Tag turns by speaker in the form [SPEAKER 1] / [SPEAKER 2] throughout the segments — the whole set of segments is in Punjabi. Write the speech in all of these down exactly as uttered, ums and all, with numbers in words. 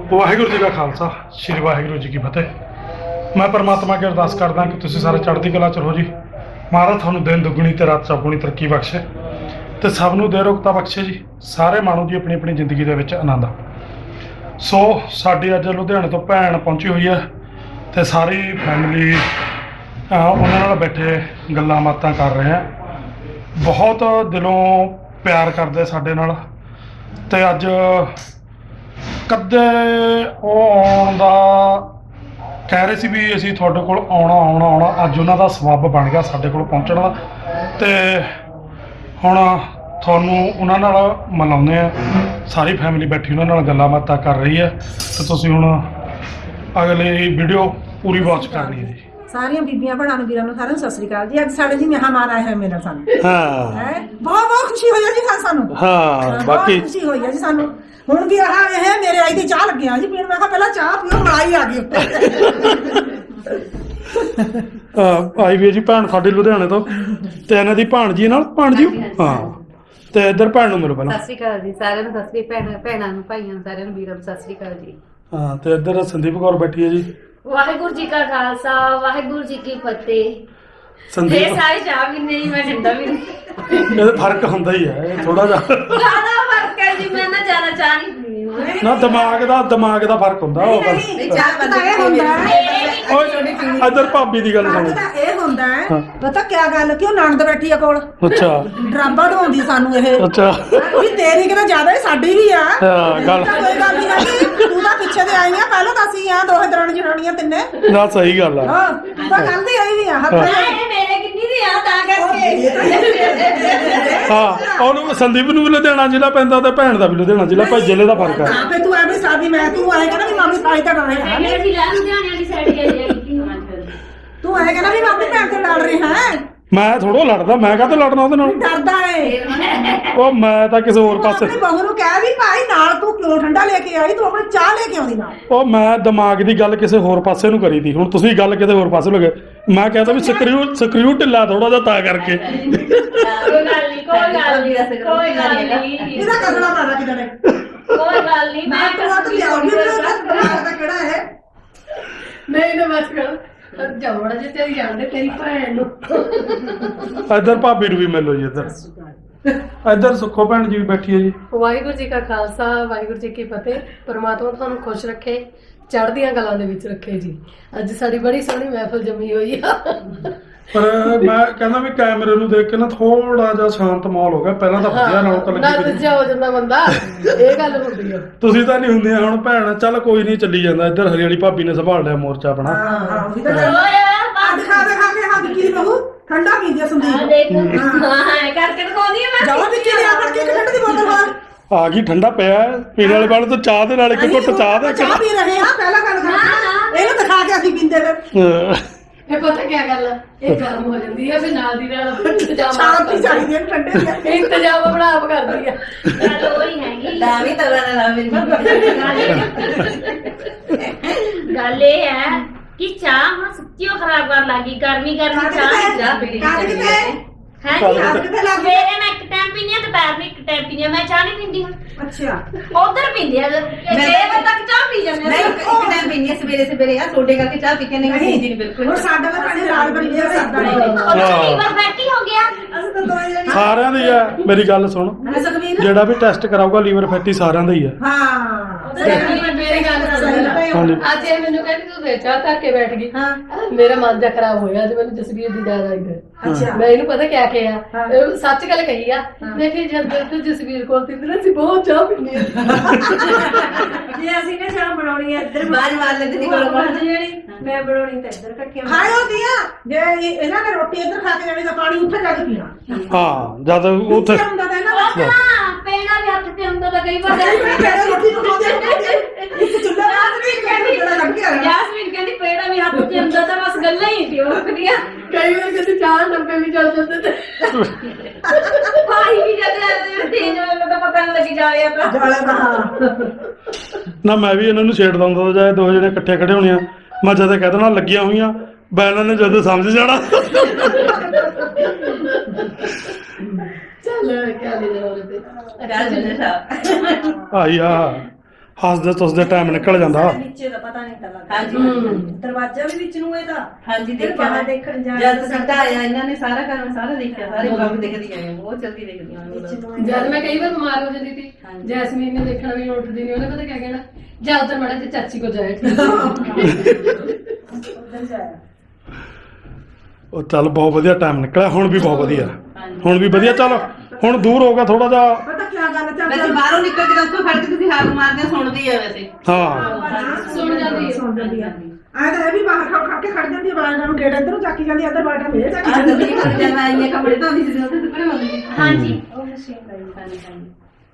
[SPEAKER 1] ਵਾਹਿਗੁਰੂ ਜੀ ਦਾ ਖਾਲਸਾ ਸ਼੍ਰੀ ਵਾਹਿਗੁਰੂ ਜੀ ਕੀ ਫਤਿਹ। ਮੈਂ ਪਰਮਾਤਮਾ ਅੱਗੇ ਅਰਦਾਸ ਕਰਦਾ ਕਿ ਤੁਸੀਂ ਸਾਰੇ ਚੜ੍ਹਦੀ ਕਲਾ 'ਚ ਰਹੋ ਜੀ। ਮਹਾਰਾਜ ਤੁਹਾਨੂੰ ਦਿਨ ਦੁੱਗਣੀ ਤੇ ਰਾਤ ਚੌਗੁਣੀ ਤਰੱਕੀ ਬਖਸ਼ੇ ਤੇ ਸਭ ਨੂੰ ਦੇ ਰੋਗਤਾ ਬਖਸ਼ੇ ਜੀ। ਸਾਰੇ ਮਾਣੋ ਜੀ ਆਪਣੀ ਆਪਣੀ ਜ਼ਿੰਦਗੀ ਦੇ ਵਿੱਚ ਆਨੰਦ। ਸੋ ਸਾਡੀ ਅੱਜ ਲੁਧਿਆਣੇ ਤੋਂ ਭੈਣ ਪਹੁੰਚੀ ਹੋਈ ਹੈ ਤੇ ਸਾਰੀ ਫੈਮਿਲੀ ਉਹਨਾਂ ਨਾਲ ਬੈਠੇ ਗੱਲਾਂ ਬਾਤਾਂ ਕਰ ਰਹੇ ਆ। ਬਹੁਤ ਦਿਲੋਂ ਪਿਆਰ ਕਰਦੇ ਸਾਡੇ ਨਾਲ ਤੇ ਅੱਜ ਕਦੇ ਉਹ ਆਉਣ ਦਾ ਕਹਿ ਰਹੇ ਸੀ ਵੀ ਅਸੀਂ ਤੁਹਾਡੇ ਕੋਲ ਆਉਣਾ ਆਉਣਾ ਆਉਣਾ ਅੱਜ ਉਹਨਾਂ ਦਾ ਸਬੱਬ ਬਣ ਗਿਆ ਸਾਡੇ ਕੋਲ ਪਹੁੰਚਣ ਦਾ। ਤੇ ਹੁਣ ਤੁਹਾਨੂੰ ਉਹਨਾਂ ਨਾਲ ਮਿਲਾਉਂਦੇ ਆ। ਸਾਰੀ ਫੈਮਿਲੀ ਬੈਠੀ ਉਹਨਾਂ ਨਾਲ ਗੱਲਾਂ ਬਾਤਾਂ ਕਰ ਰਹੀ ਹੈ ਤੇ ਤੁਸੀਂ ਹੁਣ ਅਗਲੀ ਵੀਡੀਓ ਪੂਰੀ ਵਾਚ ਕਰਨੀ ਹੈ ਜੀ।
[SPEAKER 2] ਸਾਰੀਆਂ ਬੀਬੀਆਂ ਭੈਣਾਂ ਨੂੰ ਵੀਰਾਂ ਨੂੰ ਸਾਰਿਆਂ ਨੂੰ ਸਤਿ ਸ੍ਰੀ ਅਕਾਲ ਜੀ। ਅੱਜ ਸਾਡੇ ਜੀ ਮਹਿਮਾਨ ਆਏ ਹੋਏ ਮੇਰੇ ਸਾਨੂੰ।
[SPEAKER 1] ਹਾਂ
[SPEAKER 2] ਹੈ ਬਹੁਤ ਬਹੁਤ ਖੁਸ਼ੀ ਹੋਈ ਹੈ ਜੀ ਸਾਨੂੰ।
[SPEAKER 1] ਹਾਂ ਬਾਕੀ
[SPEAKER 2] ਖੁਸ਼ੀ ਹੋਈ ਹੈ ਜੀ ਸਾਨੂੰ। ਹੁਣ ਵੀ ਆਹ ਇਹ ਮੇਰੇ ਆਈ ਦੀ ਚਾਹ ਲੱਗਿਆ ਜੀ ਪੀਣ। ਮੈਂ ਕਿਹਾ ਪਹਿਲਾਂ ਚਾਹ ਪੀਓ ਮਲਾਈ ਆ ਗਈ
[SPEAKER 1] ਉੱਤੇ। ਆਈ ਵੀ ਜੀ ਭੈਣ ਸਾਡੀ ਲੁਧਿਆਣੇ ਤੋਂ ਤੇ ਇਹਨਾਂ ਦੀ ਭਾਣਜੀ ਨਾਲ ਭਾਣਜੀ ਹਾਂ ਤੇ ਇੱਧਰ ਭੈਣ ਨੂੰ ਮਿਲੋ ਪਹਿਲਾਂ।
[SPEAKER 3] ਸਤਿ ਸ਼੍ਰੀ ਅਕਾਲ ਜੀ ਸਾਰਿਆਂ ਨੂੰ। ਸਤਿ ਸ਼੍ਰੀ ਭੈਣ ਭੈਣਾਂ ਨੂੰ ਭਾਈਆਂ ਨੂੰ ਸਾਰਿਆਂ ਨੂੰ ਵੀਰਾਂ ਨੂੰ ਸਤਿ ਸ਼੍ਰੀ ਅਕਾਲ ਜੀ।
[SPEAKER 1] ਹਾਂ ਤੇ ਇੱਧਰ ਸੰਦੀਪ ਕੌਰ ਬੈਠੀ ਹੈ ਜੀ।
[SPEAKER 3] ਵਾਹਿਗੁਰੂ ਜੀ ਕਾ ਖਾਲਸਾ ਵਾਹਿਗੁਰੂ ਜੀ ਕੀ ਫਤਿਹ।
[SPEAKER 1] ਸੰਦੀਪ
[SPEAKER 3] ਇਹ ਸਾਰੇ ਚਾਹ ਵੀ ਨਹੀਂ ਮੈਂ ਠੰਡਾ ਵੀ ਨਹੀਂ।
[SPEAKER 1] ਇਹਦਾ ਫਰਕ ਹੁੰਦਾ ਹੀ ਹੈ ਇਹ ਥੋੜਾ ਜਿਹਾ।
[SPEAKER 3] ਜ਼ਿਆਦਾ ਫਰਕ ਹੈ ਜੀ। ਮੈਂ ਨਾ ਜ਼ਿਆਦਾ ਚਾਹ ਨਹੀਂ ਪੀਣੀ।
[SPEAKER 1] ਨਾ ਦਿਮਾਗ ਦਾ ਦਿਮਾਗ ਦਾ ਫਰਕ ਹੁੰਦਾ ਉਹ ਗੱਲ।
[SPEAKER 2] ਚਾਹ ਤਾਂ ਇਹ ਹੁੰਦਾ ਹੈ
[SPEAKER 1] ਓਏ ਇੱਧਰ ਭਾਬੀ ਦੀ ਗੱਲ ਸੁਣੋ।
[SPEAKER 2] ਤਾਂ ਇਹ ਹੁੰਦਾ ਹੈ ਪਤਾ ਕਿਆ ਗੱਲ ਕਿ ਉਹ ਨਣਦ ਬੈਠੀ ਆ ਕੋਲ।
[SPEAKER 1] ਅੱਛਾ
[SPEAKER 2] ਡਰਾਬਾ ਢਾਉਂਦੀ ਸਾਨੂੰ ਇਹ
[SPEAKER 1] ਅੱਛਾ
[SPEAKER 2] ਵੀ ਤੇਰੀ ਕਿਤੇ ਜ਼ਿਆਦਾ ਹੀ ਸਾਡੀ ਵੀ ਆ।
[SPEAKER 1] ਹਾਂ ਗੱਲ
[SPEAKER 2] ਕੋਈ ਗੱਲ ਨਹੀਂ ਹੈਗੀ। ਤੂੰ ਤਾਂ ਪਿੱਛੇ ਤੇ ਆਈ ਆ। ਪਹਿਲਾਂ ਤਾਂ ਅਸੀਂ ਆ ਦੋਹੇ ਦਰਾਣੀ ਜਠਾਣੀਆਂ ਤਿੰਨੇ।
[SPEAKER 1] ਨਾ ਸਹੀ ਗੱਲ ਆ।
[SPEAKER 2] ਹਾਂ ਤੂੰ ਤਾਂ ਕੱਲ ਦੀ ਆਈ ਵੀ ਆ। ਹੱਥ
[SPEAKER 3] ਇਹ ਮੇਰੇ ਕਿੰਨੀ ਦੀ ਆ ਤਾਂ ਕਰਕੇ।
[SPEAKER 1] ਹਾਂ ਉਹਨੂੰ ਸੰਦੀਪ ਨੂੰ ਵੀ ਲੁਧਿਆਣਾ ਜ਼ਿਲ੍ਹਾ ਪੈਂਦਾ ਤੇ ਭੈਣ ਦਾ ਵੀ ਲੁਧਿਆਣਾ ਜ਼ਿਲ੍ਹਾ ਭਾਈ ਜ਼ਿਲ੍ਹੇ ਦਾ ਫਰਕ ਹੈ।
[SPEAKER 2] ਹਾਂ ਫੇ ਤੂੰ ਐਵੇਂ ਸਾਡੀ ਮੈਂ ਤੂੰ ਆਏ ਕਹਿੰਦਾ ਵੀ ਮਾਮੀ ਸਾਈ ਤਾਂ ਡਰ ਰਿਹਾ
[SPEAKER 3] ਮੇਰੇ ਜ਼ਿਲ੍ਹਾ ਲੁਧਿਆਣੇ ਵਾਲੀ ਸਾਈਡ ਹੀ ਹੈ ਜੀ।
[SPEAKER 2] ਤੂੰ ਆਏ ਕਹਿੰਦਾ ਵੀ ਮਾਮੀ ਭੈਣ ਤੋਂ ਲੜ ਰਹੀ ਹੈ।
[SPEAKER 1] ਮੈਂ ਥੋੜੋ ਲੜਦਾ ਮੈਂ ਕਾਹਤੇ ਲੜਨਾ ਉਹਦੇ ਨਾਲ।
[SPEAKER 2] ਡਰਦਾ ਏ
[SPEAKER 1] ਉਹ ਮੈਂ ਤਾਂ ਕਿਸੇ ਹੋਰ ਪਾਸੇ
[SPEAKER 2] ਆਪਣੀ ਬਹੂ ਨੂੰ ਕਹਿ ਵੀ ਭਾਈ ਨਾਲ ਤੂੰ ਕਿਉਂ ਠੰਡਾ ਲੈ ਕੇ ਆਈ। ਤੂੰ ਆਪਣੀ ਚਾਹ ਲੈ ਕੇ ਆਉਂਦੀ ਨਾਲ।
[SPEAKER 1] ਉਹ ਮੈਂ ਦਿਮਾਗ ਦੀ ਗੱਲ ਕਿਸੇ ਹੋਰ ਪਾਸੇ ਨੂੰ ਕਰੀ ਤੀ। ਹੁਣ ਤੁਸੀਂ ਗੱਲ ਕਿਤੇ ਹੋਰ ਪਾਸੇ ਲਗੇ। ਮੈਂ ਕਹਿੰਦਾ ਵੀ ਸਕਰੀਊ ਸਕਰੀਊ ਢਿੱਲਾ ਥੋੜਾ ਜਿਹਾ ਤਾਂ ਕਰਕੇ।
[SPEAKER 3] ਕੋਈ ਗੱਲ ਨਹੀਂ ਕੋਈ ਗੱਲ ਨਹੀਂ ਕੋਈ ਗੱਲ ਨਹੀਂ।
[SPEAKER 2] ਇਹਦਾ ਕਰਨਾ ਪੈਣਾ ਕਿਦਾਂ ਨੇ
[SPEAKER 3] ਕੋਈ ਗੱਲ ਨਹੀਂ ਮੈਂ
[SPEAKER 2] ਤੂੰ ਆ ਤੂੰ ਲਿਆਉਣੀ ਤਾਂ ਕਿਹੜਾ ਹੈ।
[SPEAKER 3] ਨਹੀਂ ਨਾ ਬਸ ਕਰ ਜਵੜਾ ਜੇ ਤੇਰੀ ਜਾਣਦੇ ਤੇਰੀ ਭੈਣ ਨੂੰ।
[SPEAKER 1] ਇੱਧਰ ਭਾਬੀ ਨੂੰ ਵੀ ਮਿਲੋ ਜੀ। ਇੱਧਰ ਇੱਧਰ ਸੁੱਖੋ ਭੈਣ ਜੀ ਵੀ ਬੈਠੀ ਹੈ ਜੀ।
[SPEAKER 4] ਵਾਹਿਗੁਰੂ ਜੀ ਕਾ ਖਾਲਸਾ ਵਾਹਿਗੁਰੂ ਜੀ ਕੀ ਫਤਿਹ। ਪਰਮਾਤਮਾ ਤੁਹਾਨੂੰ ਖੁਸ਼ ਰੱਖੇ ਚੜ੍ਹਦੀਆਂ ਕਲਾਂ ਦੇ ਵਿੱਚ ਰੱਖੇ ਜੀ। ਅੱਜ ਸਾਡੀ ਬੜੀ ਸੋਹਣੀ ਮਹਿਫਲ ਜੰਮੀ ਹੋਈ ਆ।
[SPEAKER 1] ਪਰ ਮੈਂ ਕਹਿੰਦਾ ਵੀ ਕੈਮਰੇ ਨੂੰ ਦੇਖ ਕੇ ਨਾ ਥੋੜਾ ਜਿਹਾ ਸ਼ਾਂਤ ਮਾਹੌਲ ਹੋ ਗਿਆ। ਪਹਿਲਾਂ ਤਾਂ ਵਧੀਆ ਰੌਣਕ
[SPEAKER 4] ਨਾ
[SPEAKER 1] ਲੱਗੀ ਪਈ।
[SPEAKER 4] ਦੂਜਾ ਹੋ ਜਾਂਦਾ ਬੰਦਾ। ਇਹ ਗੱਲ ਹੁੰਦੀ ਆ।
[SPEAKER 1] ਤੁਸੀਂ ਤਾਂ ਨਹੀਂ ਹੁੰਦੀਆਂ ਹੁਣ ਭੈਣ। ਚੱਲ ਕੋਈ ਨਹੀਂ ਚੱਲੀ ਜਾਂਦਾ। ਇੱਧਰ ਹਰੀ ਵਾਲੀ ਭਾਬੀ ਨੇ ਸੰਭਾਲ ਲਿਆ ਮੋਰਚਾ ਆਪਣਾ।
[SPEAKER 2] ਹਾਂ ਉਹੀ ਤਾਂ ਗੱਲ ਆ। ਦਿਖਾ ਦਿਖਾ ਕੇ ਹੱਥ ਕੀ ਬਹੂ ਠੰਡਾ ਪੀਂਦੀ ਆ ਸੰਦੀਪ।
[SPEAKER 3] ਦੇਖ ਹਾਂ ਕਰਕੇ ਦਿਖਾਉਂਦੀ ਆ ਮੈਂ।
[SPEAKER 2] ਜਾਓ ਵਿੱਚੇ ਲਿਆ ਫੜ ਕੇ ਇੱਕ ਠੰਡੇ ਦੀ ਬੋਤਲ ਬਾਹਰ।
[SPEAKER 1] ਆ ਗਈ ਠੰਡਾ ਪਿਆ ਹੈ। ਪੀਣ ਵਾਲੇ ਵਾਲੇ ਤੋਂ ਚਾਹ ਦੇ ਨਾਲ ਇੱਕ ਘੁੱਟ ਚਾਹ ਦੇ
[SPEAKER 2] ਚਾਹ ਪੀ ਰਹੇ ਆ ਪਹਿਲਾਂ ਗੱਲ ਕਰ। ਇਹਨੂੰ ਦਿਖਾ ਕੇ ਅਸੀਂ ਪੀਂਦੇ ਫਿਰ।
[SPEAKER 4] ਇਹ ਪਤਾ ਕੀ ਗੱਲ ਆ ਇਹ ਗਰਮ ਹੋ ਜਾਂਦੀ ਆ ਫਿਰ ਨਾਲ ਦੀ ਨਾਲ ਇੰਤਜ਼ਾਮ
[SPEAKER 2] ਸ਼ਾਂਤੀ ਚਾਹੀਦੀ ਹੈ ਠੰਡੇ ਦੀ।
[SPEAKER 4] ਇੰਤਜ਼ਾਮ ਆਪਣਾ ਆਪ ਕਰਦੀ ਆ।
[SPEAKER 3] ਗੱਲ ਉਹੀ ਹੈਗੀ।
[SPEAKER 2] ਦਾਵੀ ਤਲਾ ਨਾ ਮੇਰੀ
[SPEAKER 3] ਗੱਲ ਇਹ ਹੈ ਕਿ ਚਾਹ ਹੁਣ ਸੱਚੀ ਉਹ ਖਰਾਬ ਕਰਨ ਲੱਗੀ। ਗਰਮੀ ਗਰਮੀ ਚਾਹ ਚਾਹ ਪੀਣੀ ਚਾਹੀਦੀ ਹੈ। ਹੈ ਜੀ ਸਵੇਰੇ ਮੈਂ ਇੱਕ ਟਾਈਮ ਪੀਂਦੀ ਆ ਦੁਪਹਿਰ ਨੂੰ ਇੱਕ ਟਾਈਮ ਪੀਂਦੀ ਆ। ਮੈਂ ਚਾਹ ਨਹੀਂ ਪੀਂਦੀ ਹੁਣ।
[SPEAKER 2] ਅੱਛਾ
[SPEAKER 3] ਉਧਰ ਪੀਂਦੀ ਆ ਛੇ ਵਜੇ ਤੱਕ ਚਾਹ ਪੀ ਜਾਂਦੇ
[SPEAKER 5] ਨਹੀਂ ਇੱਕ ਟਾਈਮ ਪੀਣੀ ਹੈ ਸਵੇਰੇ ਸਵੇਰੇ ਆ ਛੋਟੇ ਕਰਕੇ ਚਾਹ ਪੀ ਕੇ ਨਹੀਂ ਪੀਂਦੀ ਨਹੀਂ ਬਿਲਕੁਲ।
[SPEAKER 2] ਹੁਣ ਸਾਡਾ ਤਾਂ ਪਾਣੀ ਲਾਲ ਬੰਦੇ ਆ ਸਾਡਾ ਨਹੀਂ।
[SPEAKER 3] ਉਹ ਲੀਵਰ ਫੈਟੀ ਹੋ ਗਿਆ।
[SPEAKER 2] ਅਸੀਂ ਤਾਂ ਦੋਏ ਜਣੇ
[SPEAKER 1] ਸਾਰਿਆਂ ਦੀ ਆ। ਮੇਰੀ ਗੱਲ ਸੁਣ
[SPEAKER 2] ਹੈ ਸੁਖਵੀਰ।
[SPEAKER 1] ਜਿਹੜਾ ਵੀ ਟੈਸਟ ਕਰਾਊਗਾ ਲੀਵਰ ਫੈਟੀ ਸਾਰਿਆਂ ਦਾ ਹੀ ਆ।
[SPEAKER 2] ਹਾਂ
[SPEAKER 4] ਮੇਰੀ ਗੱਲ
[SPEAKER 1] ਹਾਂਜੀ।
[SPEAKER 4] ਅੱਜ ਇਹ ਮੈਨੂੰ ਕਹਿੰਦੀ ਤੂੰ ਦੇ ਚਾਹ ਧਰ ਕੇ ਬੈਠ ਗਈ।
[SPEAKER 2] ਹਾਂ
[SPEAKER 4] ਮੇਰਾ ਮਨ ਜਾ ਖਰਾਬ ਹੋਇਆ ਅੱਜ ਮੈਨੂੰ ਜਸਵੀਰ ਦੀ ਯਾਦ ਆਈ ਫਿਰ।
[SPEAKER 2] ਅੱਛਾ
[SPEAKER 4] ਮੈਂ ਇਹਨੂੰ ਪਤਾ ਕਿਆ ਕਿਹਾ ਇਹ ਸੱਚ ਗੱਲ ਕਹੀ ਆ। ਮੈਂ ਕਿ ਜਦ ਤੂੰ ਜਸਵੀਰ ਕੋਲ ਤਿੰਨ ਅਸੀਂ ਬਹੁਤ ਚਾਹ ਪੀਂਦੇ ਆ।
[SPEAKER 5] ਜੇ ਅਸੀਂ ਨੇ ਚਾਹ ਬਣਾਉਣੀ ਹੈ ਇੱਧਰ ਬਾਹਰ ਮਾਰ ਲੈਂਦੇ ਨਹੀਂ ਕੋਲ ਬਾਹਰ ਜਿਹੜੀ ਮੈਂ ਬਣਾਉਣੀ ਤਾਂ ਇੱਧਰ ਇਕੱਠੀਆਂ
[SPEAKER 2] ਖਾਇਓ ਦੀਆਂ ਜੇ ਇਹਨਾਂ ਨੇ ਰੋਟੀ ਇੱਧਰ ਖਾ ਕੇ ਜਾਣੀ ਤਾਂ ਪਾਣੀ ਉੱਥੇ ਜਾ ਕੇ ਪੀਣਾ।
[SPEAKER 1] ਹਾਂ ਜਦ ਉੱਥੇ
[SPEAKER 2] ਹੁੰਦਾ ਤਾਂ ਇਹਨਾਂ ਦਾ
[SPEAKER 3] ਹਾਂ ਪੈਣਾ ਵੀ ਹੱਥ ਤੇ ਹੁੰਦਾ ਤਾਂ ਕਈ ਵਾਰ।
[SPEAKER 2] ਪਹਿਲਾਂ ਰੋਟੀ ਨੂੰ ਖਾਂਦੇ ਇੱਕ ਚੁੱਲ੍ਹਾ ਰਾਤ ਵੀ ਕਹਿੰਦੇ ਜਿਹੜਾ ਲੱਗ ਗਿਆ।
[SPEAKER 3] ਜੈਸਮੀਨ ਕਹਿੰਦੀ ਪੈਣਾ ਵੀ ਹੱਥ ਤੇ ਹੁੰਦਾ ਤਾਂ ਬਸ ਗੱਲਾਂ ਹੀ ਸੀ ਉਹ ਕੁੜੀਆਂ।
[SPEAKER 4] ਕਈ ਵਾਰ ਕਹਿੰਦੇ ਚਾਹ ਡੱਬੇ ਵੀ ਚੱਲ ਜਾਂਦੇ ਤੇ
[SPEAKER 3] ਭਾਈ ਵੀ ਜਦ ਤੇਜ ਮੈਨੂੰ ਤਾਂ ਪਤਾ ਨਹੀਂ ਲੱਗੀ ਜਾ ਰਿਹਾ ਤਾਂ।
[SPEAKER 2] ਜਾਲਾ ਦਾ ਹਾਂ
[SPEAKER 1] ਨਾ ਮੈਂ ਵੀ ਇਹਨਾਂ ਨੂੰ ਛੇੜਦਾ ਹੁੰਦਾ ਜਾਂ ਦੋ ਜਣੇ ਇਕੱਠੇ ਖੜੇ ਹੋਣੀਆਂ। ਮੈਂ ਜਦ ਕਹਿ ਦੇਣਾ ਲੱਗੀਆਂ ਹੋਈਆਂ ਬੈਨਾਂ ਨੇ ਜਦੋਂ ਸਮਝ ਜਾਣਾ।
[SPEAKER 4] ਚੱਲ ਕਿਆ ਲੈ ਜਾਣਾ ਉਹਦੇ ਤੇ
[SPEAKER 5] ਰਾਜ ਨੇ ਸਾਹਿਬ
[SPEAKER 1] ਆਈ ਆ ਹੱਸਦੇ ਤੁਸਦੇ ਟਾਈਮ ਨਿਕਲ ਜਾਂਦਾ।
[SPEAKER 5] ਨੀਚੇ ਦਾ ਪਤਾ ਨਹੀਂ ਤਾਂ ਲੱਗਦਾ।
[SPEAKER 6] ਹਾਂਜੀ
[SPEAKER 5] ਦਰਵਾਜ਼ਾ ਵੀ ਵਿੱਚ ਨੂੰ ਇਹਦਾ
[SPEAKER 6] ਹਾਂਜੀ
[SPEAKER 5] ਫਿਰ
[SPEAKER 6] ਦੇਖਿਆ
[SPEAKER 5] ਬਾਹਰ
[SPEAKER 6] ਮੈਂ।
[SPEAKER 5] ਦੇਖਣ ਜਾ
[SPEAKER 6] ਜਦ ਸਿੱਧਾ ਆਇਆ ਇਹਨਾਂ ਨੇ ਸਾਰਾ ਕੰਮ ਸਾਰਾ ਦੇਖਿਆ, ਸਾਰੇ ਕੰਮ ਦੇਖਦੀਆਂ ਨੇ, ਬਹੁਤ ਜਲਦੀ ਦੇਖਦੀਆਂ ਨੇ ਉਹ।
[SPEAKER 4] ਜਦ ਮੈਂ ਕਈ ਵਾਰ ਬਿਮਾਰ ਹੋ ਜਾਂਦੀ ਸੀ,
[SPEAKER 6] ਹਾਂਜੀ।
[SPEAKER 4] ਜੈਸਮੀਨ ਨੇ ਦੇਖਣਾ ਵੀ ਉੱਠਦੀ ਨਹੀਂ, ਉਹਨੇ ਪਤਾ ਕਿਆ ਕਹਿਣਾ, ਜਾ ਉੱਧਰ ਮੜਾ ਤੇ ਚਾਚੀ ਕੋ ਜਾਏ।
[SPEAKER 5] ਉਧਰ ਜਾਇਆ
[SPEAKER 1] ਉਹ ਚੱਲ ਬਹੁਤ ਵਧੀਆ ਟਾਈਮ ਨਿਕਲਿਆ, ਹੁਣ ਵੀ ਬਹੁਤ ਵਧੀਆ, ਹੁਣ ਵੀ ਵਧੀਆ। ਚੱਲ ਹੁਣ ਦੂਰ ਹੋ ਗਿਆ ਥੋੜਾ ਜਿਹਾ।
[SPEAKER 2] ਪਤਾ ਕੀ ਗੱਲ ਚੱਲ
[SPEAKER 6] ਵੈਸੇ ਬਾਹਰੋਂ ਨਿਕਲ ਕੇ ਉੱਥੋਂ ਖੜ ਕੇ ਤੁਸੀਂ ਹਾਰ ਮਾਰਦੇ ਸੁਣਦੀ ਆ ਵੈਸੇ।
[SPEAKER 1] ਹਾਂ
[SPEAKER 4] ਸੁਣ ਜਾਂਦੀ ਹੈ।
[SPEAKER 2] ਸੁਣ ਜਾਂਦੀ ਆ ਆਹ ਤਾਂ ਇਹ ਵੀ ਬਾਹਰ ਖੜ ਖੜ ਕੇ ਖੜ ਜਾਂਦੀ ਆ, ਬਾਹਰ ਨੂੰ ਗੇਟ ਇੱਧਰੋਂ ਚੱਕੀ ਜਾਂਦੀ ਆ, ਇੱਧਰ ਬਾਹਰ ਮੇਰੇ ਚੱਕੀ
[SPEAKER 6] ਆਹ
[SPEAKER 2] ਜਾਂਦੀ
[SPEAKER 6] ਗੱਡੀ ਕਰ ਜਾਂਦਾ ਇੰਨੇ ਕੱਪੜੇ ਧੋਂਦੀ ਸੀ ਉੱਥੇ ਸੁੱਕਣੇ ਹੁੰਦੇ ਸੀ।
[SPEAKER 3] ਹਾਂਜੀ
[SPEAKER 5] ਉਹ ਮਸ਼ੀਨ ਲਈ
[SPEAKER 6] ਹਾਂਜੀ ਹਾਂਜੀ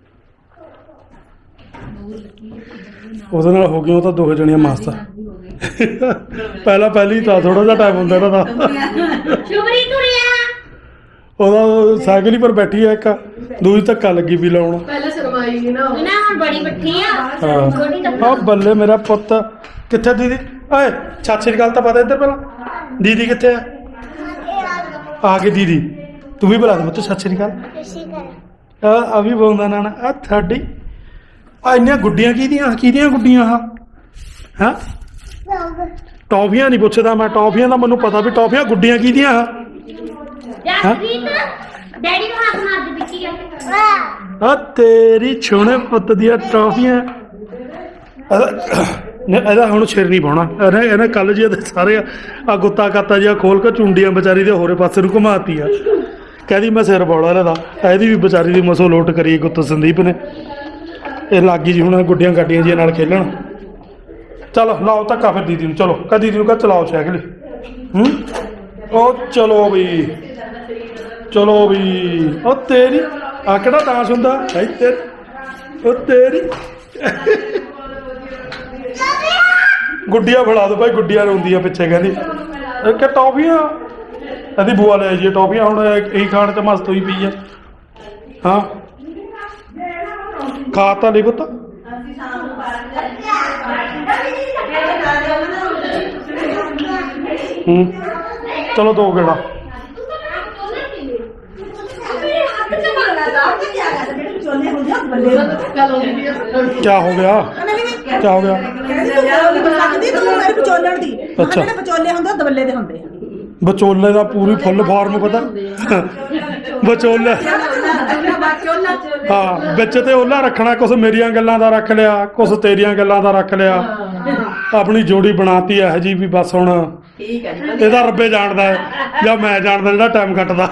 [SPEAKER 1] ਉਹਦੇ ਨਾਲ ਹੋ ਗਈਆਂ ਉਹ ਤਾਂ ਦੋ ਜਣੀਆਂ ਮਾਸਤਾ। ਪਹਿਲਾਂ ਪਹਿਲੀ ਤਾਂ ਥੋੜਾ ਜਿਹਾ ਟਾਈਮ ਹੁੰਦਾ ਇਹਨਾਂ ਦਾ।
[SPEAKER 3] ਸ਼ੁਭਰੀ ਤੁਰਿਆ
[SPEAKER 1] ਉਹਦਾ ਸਾਈਕਲ ਹੀ ਪਰ ਬੈਠੀ ਆ ਇੱਕ, ਦੂਜੀ ਧੱਕਾ ਲੱਗੀ ਵੀ ਲਾਉਣ।
[SPEAKER 4] ਪਹਿਲਾਂ ਸ਼ਰਮਾਈ ਨਹੀਂ ਨਾ ਉਹ।
[SPEAKER 3] ਨਾ ਹੁਣ ਬੜੀ ਬੱਠੀ ਆ
[SPEAKER 1] ਹਾਂ
[SPEAKER 3] ਛੋਟੀ ਤਾਂ
[SPEAKER 1] ਆ ਬੱਲੇ ਮੇਰਾ ਪੁੱਤ। ਕਿੱਥੇ ਦੀਦੀ? ਓਏ ਸਤਿ ਸ਼੍ਰੀ ਅਕਾਲ ਤਾਂ ਪਤਾ ਇੱਧਰ ਪਹਿਲਾਂ। ਦੀਦੀ ਕਿੱਥੇ ਆ? ਆ ਗਈ ਦੀਦੀ। ਤੂੰ ਵੀ ਬੁਲਾ ਦੇ ਪੁੱਤ ਸਤਿ ਸ਼੍ਰੀ ਅਕਾਲ। ਆ ਆ ਵੀ ਬੋਲਦਾ ਨਾ ਆ ਤੁਹਾਡੀ ਆ ਇੰਨੀਆਂ ਗੁੱਡੀਆਂ ਕਿਹਦੀਆਂ ਕਿਹਦੀਆਂ ਗੁੱਡੀਆਂ ਆ? ਹਾਂ ਟੌਫੀਆਂ ਨਹੀਂ ਪੁੱਛਦਾ ਮੈਂ, ਟੌਫੀਆਂ ਦਾ ਮੈਨੂੰ ਪਤਾ ਵੀ ਟੌਫੀਆਂ ਗੁੱਡੀਆਂ ਕਿਹਦੀਆਂ ਆ?
[SPEAKER 3] ਜਸਪ੍ਰੀਤ ਡੈਡੀ ਨੂੰ ਹੱਥ ਮਾਰ ਦੇ ਪਿੱਛੇ ਕਰਕੇ।
[SPEAKER 1] ਆ ਤੇਰੀ ਛੋਣੇ ਪੁੱਤ ਦੀਆਂ ਟੌਫੀਆਂ। ਇਹਦਾ ਇਹਦਾ ਹੁਣ ਸਿਰ ਨਹੀਂ ਪਾਉਣਾ ਇਹਨੇ ਇਹਨੇ ਕੱਲ ਜੀ ਇਹਦੇ ਸਾਰੇ ਆ ਗੁੱਤਾ ਕਾਤਾ ਜਿਹਾ ਖੋਲ ਕੇ ਚੁੰਡੀਆਂ ਵਿਚਾਰੀ ਦੇ ਹੋਰੇ ਪਾਸੇ ਨੂੰ ਘੁਮਾਤੀ ਆ। ਕਹਿੰਦੀ ਮੈਂ ਸਿਰ ਪਾਉਣਾ ਇਹਦਾ। ਇਹਦੀ ਵੀ ਵਿਚਾਰੀ ਦੀ ਮਸੋ ਲੋਟ ਕਰੀ ਗੁੱਤ ਸੰਦੀਪ ਨੇ। ਇਹ ਲੱਗੀ ਜੀ ਹੁਣ ਗੁੱਡੀਆਂ ਗੱਡੀਆਂ ਜੀ ਨਾਲ ਖੇਲਣ। ਚਲੋ ਲਾਓ ਧੱਕਾ ਫਿਰ ਦੀਦੀ ਨੂੰ। ਚਲੋ ਕਹ ਦੀਦੀ ਨੂੰ ਕਹ ਚਲਾਓ ਸਾਈਕਲ। ਹੂੰ ਉਹ ਚਲੋ ਵੀ ਚਲੋ ਵੀ। ਉਹ ਤੇਰੀ ਆ ਕਿਹੜਾ ਡਾਂਸ ਹੁੰਦਾ ਹੈ ਤੇਰੀ? ਉਹ ਤੇਰੀ ਗੁੱਡੀਆਂ ਫੜਾ ਦੋ ਭਾਈ, ਗੁੱਡੀਆਂ ਰੋਂਦੀਆਂ ਪਿੱਛੇ ਕਹਿੰਦੀ ਕਿ ਟੌਫੀਆਂ। ਇਹਦੀ ਬੂਆ ਲੈ ਜੀ ਟੌਫੀਆਂ, ਹੁਣ ਇਹੀ ਖਾਣ ਚ ਮਸਤ ਹੋਈ ਪਈ ਆ। ਹਾਂ ਖਾ ਤਾਂ ਲਈ ਪੁੱਤ।
[SPEAKER 6] ਅਸੀਂ ਸ਼ਾਮ ਨੂੰ ਪਾਰਕ ਜਾਂਦੇ
[SPEAKER 1] ਹੂੰ ਚਲੋ ਦੋ ਗੇੜਾ।
[SPEAKER 2] ਚੋਲੇ ਹੁੰਦੇ ਆ ਬੱਲੇ
[SPEAKER 4] ਗੱਲ ਹੁੰਦੀ ਹੈ।
[SPEAKER 1] ਕਿਆ ਹੋ ਗਿਆ? ਕਿਆ ਹੋ ਗਿਆ?
[SPEAKER 2] ਲੱਗਦੀ ਤੂੰ ਮੇਰੇ ਵਿਚੋਲਣ ਦੀ।
[SPEAKER 1] ਅੱਛਾ।
[SPEAKER 2] ਜਿਹੜੇ ਵਿਚੋਲੇ ਹੁੰਦੇ ਆ ਦਬੱਲੇ ਦੇ ਹੁੰਦੇ ਆ।
[SPEAKER 1] ਵਿਚੋਲੇ ਦਾ ਪੂਰੀ ਫੁੱਲ ਫਾਰਮ ਪਤਾ। ਵਿਚੋਲੇ ਹਾਂ ਵਿੱਚ ਤੇ ਉਹਲਾ ਰੱਖਣਾ, ਕੁਛ ਮੇਰੀਆਂ ਗੱਲਾਂ ਦਾ ਰੱਖ ਲਿਆ, ਕੁਛ ਤੇਰੀਆਂ ਗੱਲਾਂ ਦਾ ਰੱਖ ਲਿਆ। ਆਪਣੀ ਜੋੜੀ ਬਣਾਤੀ ਇਹੋ ਜੀ ਵੀ ਬਸ ਹੁਣ
[SPEAKER 6] ਠੀਕ ਹੈ ਜੀ।
[SPEAKER 1] ਇਹਦਾ ਰੱਬੇ ਜਾਣਦਾ ਹੈ ਜਾਂ ਮੈਂ ਜਾਣਦਾ ਜਿਹੜਾ ਟਾਈਮ ਕੱਟਦਾ।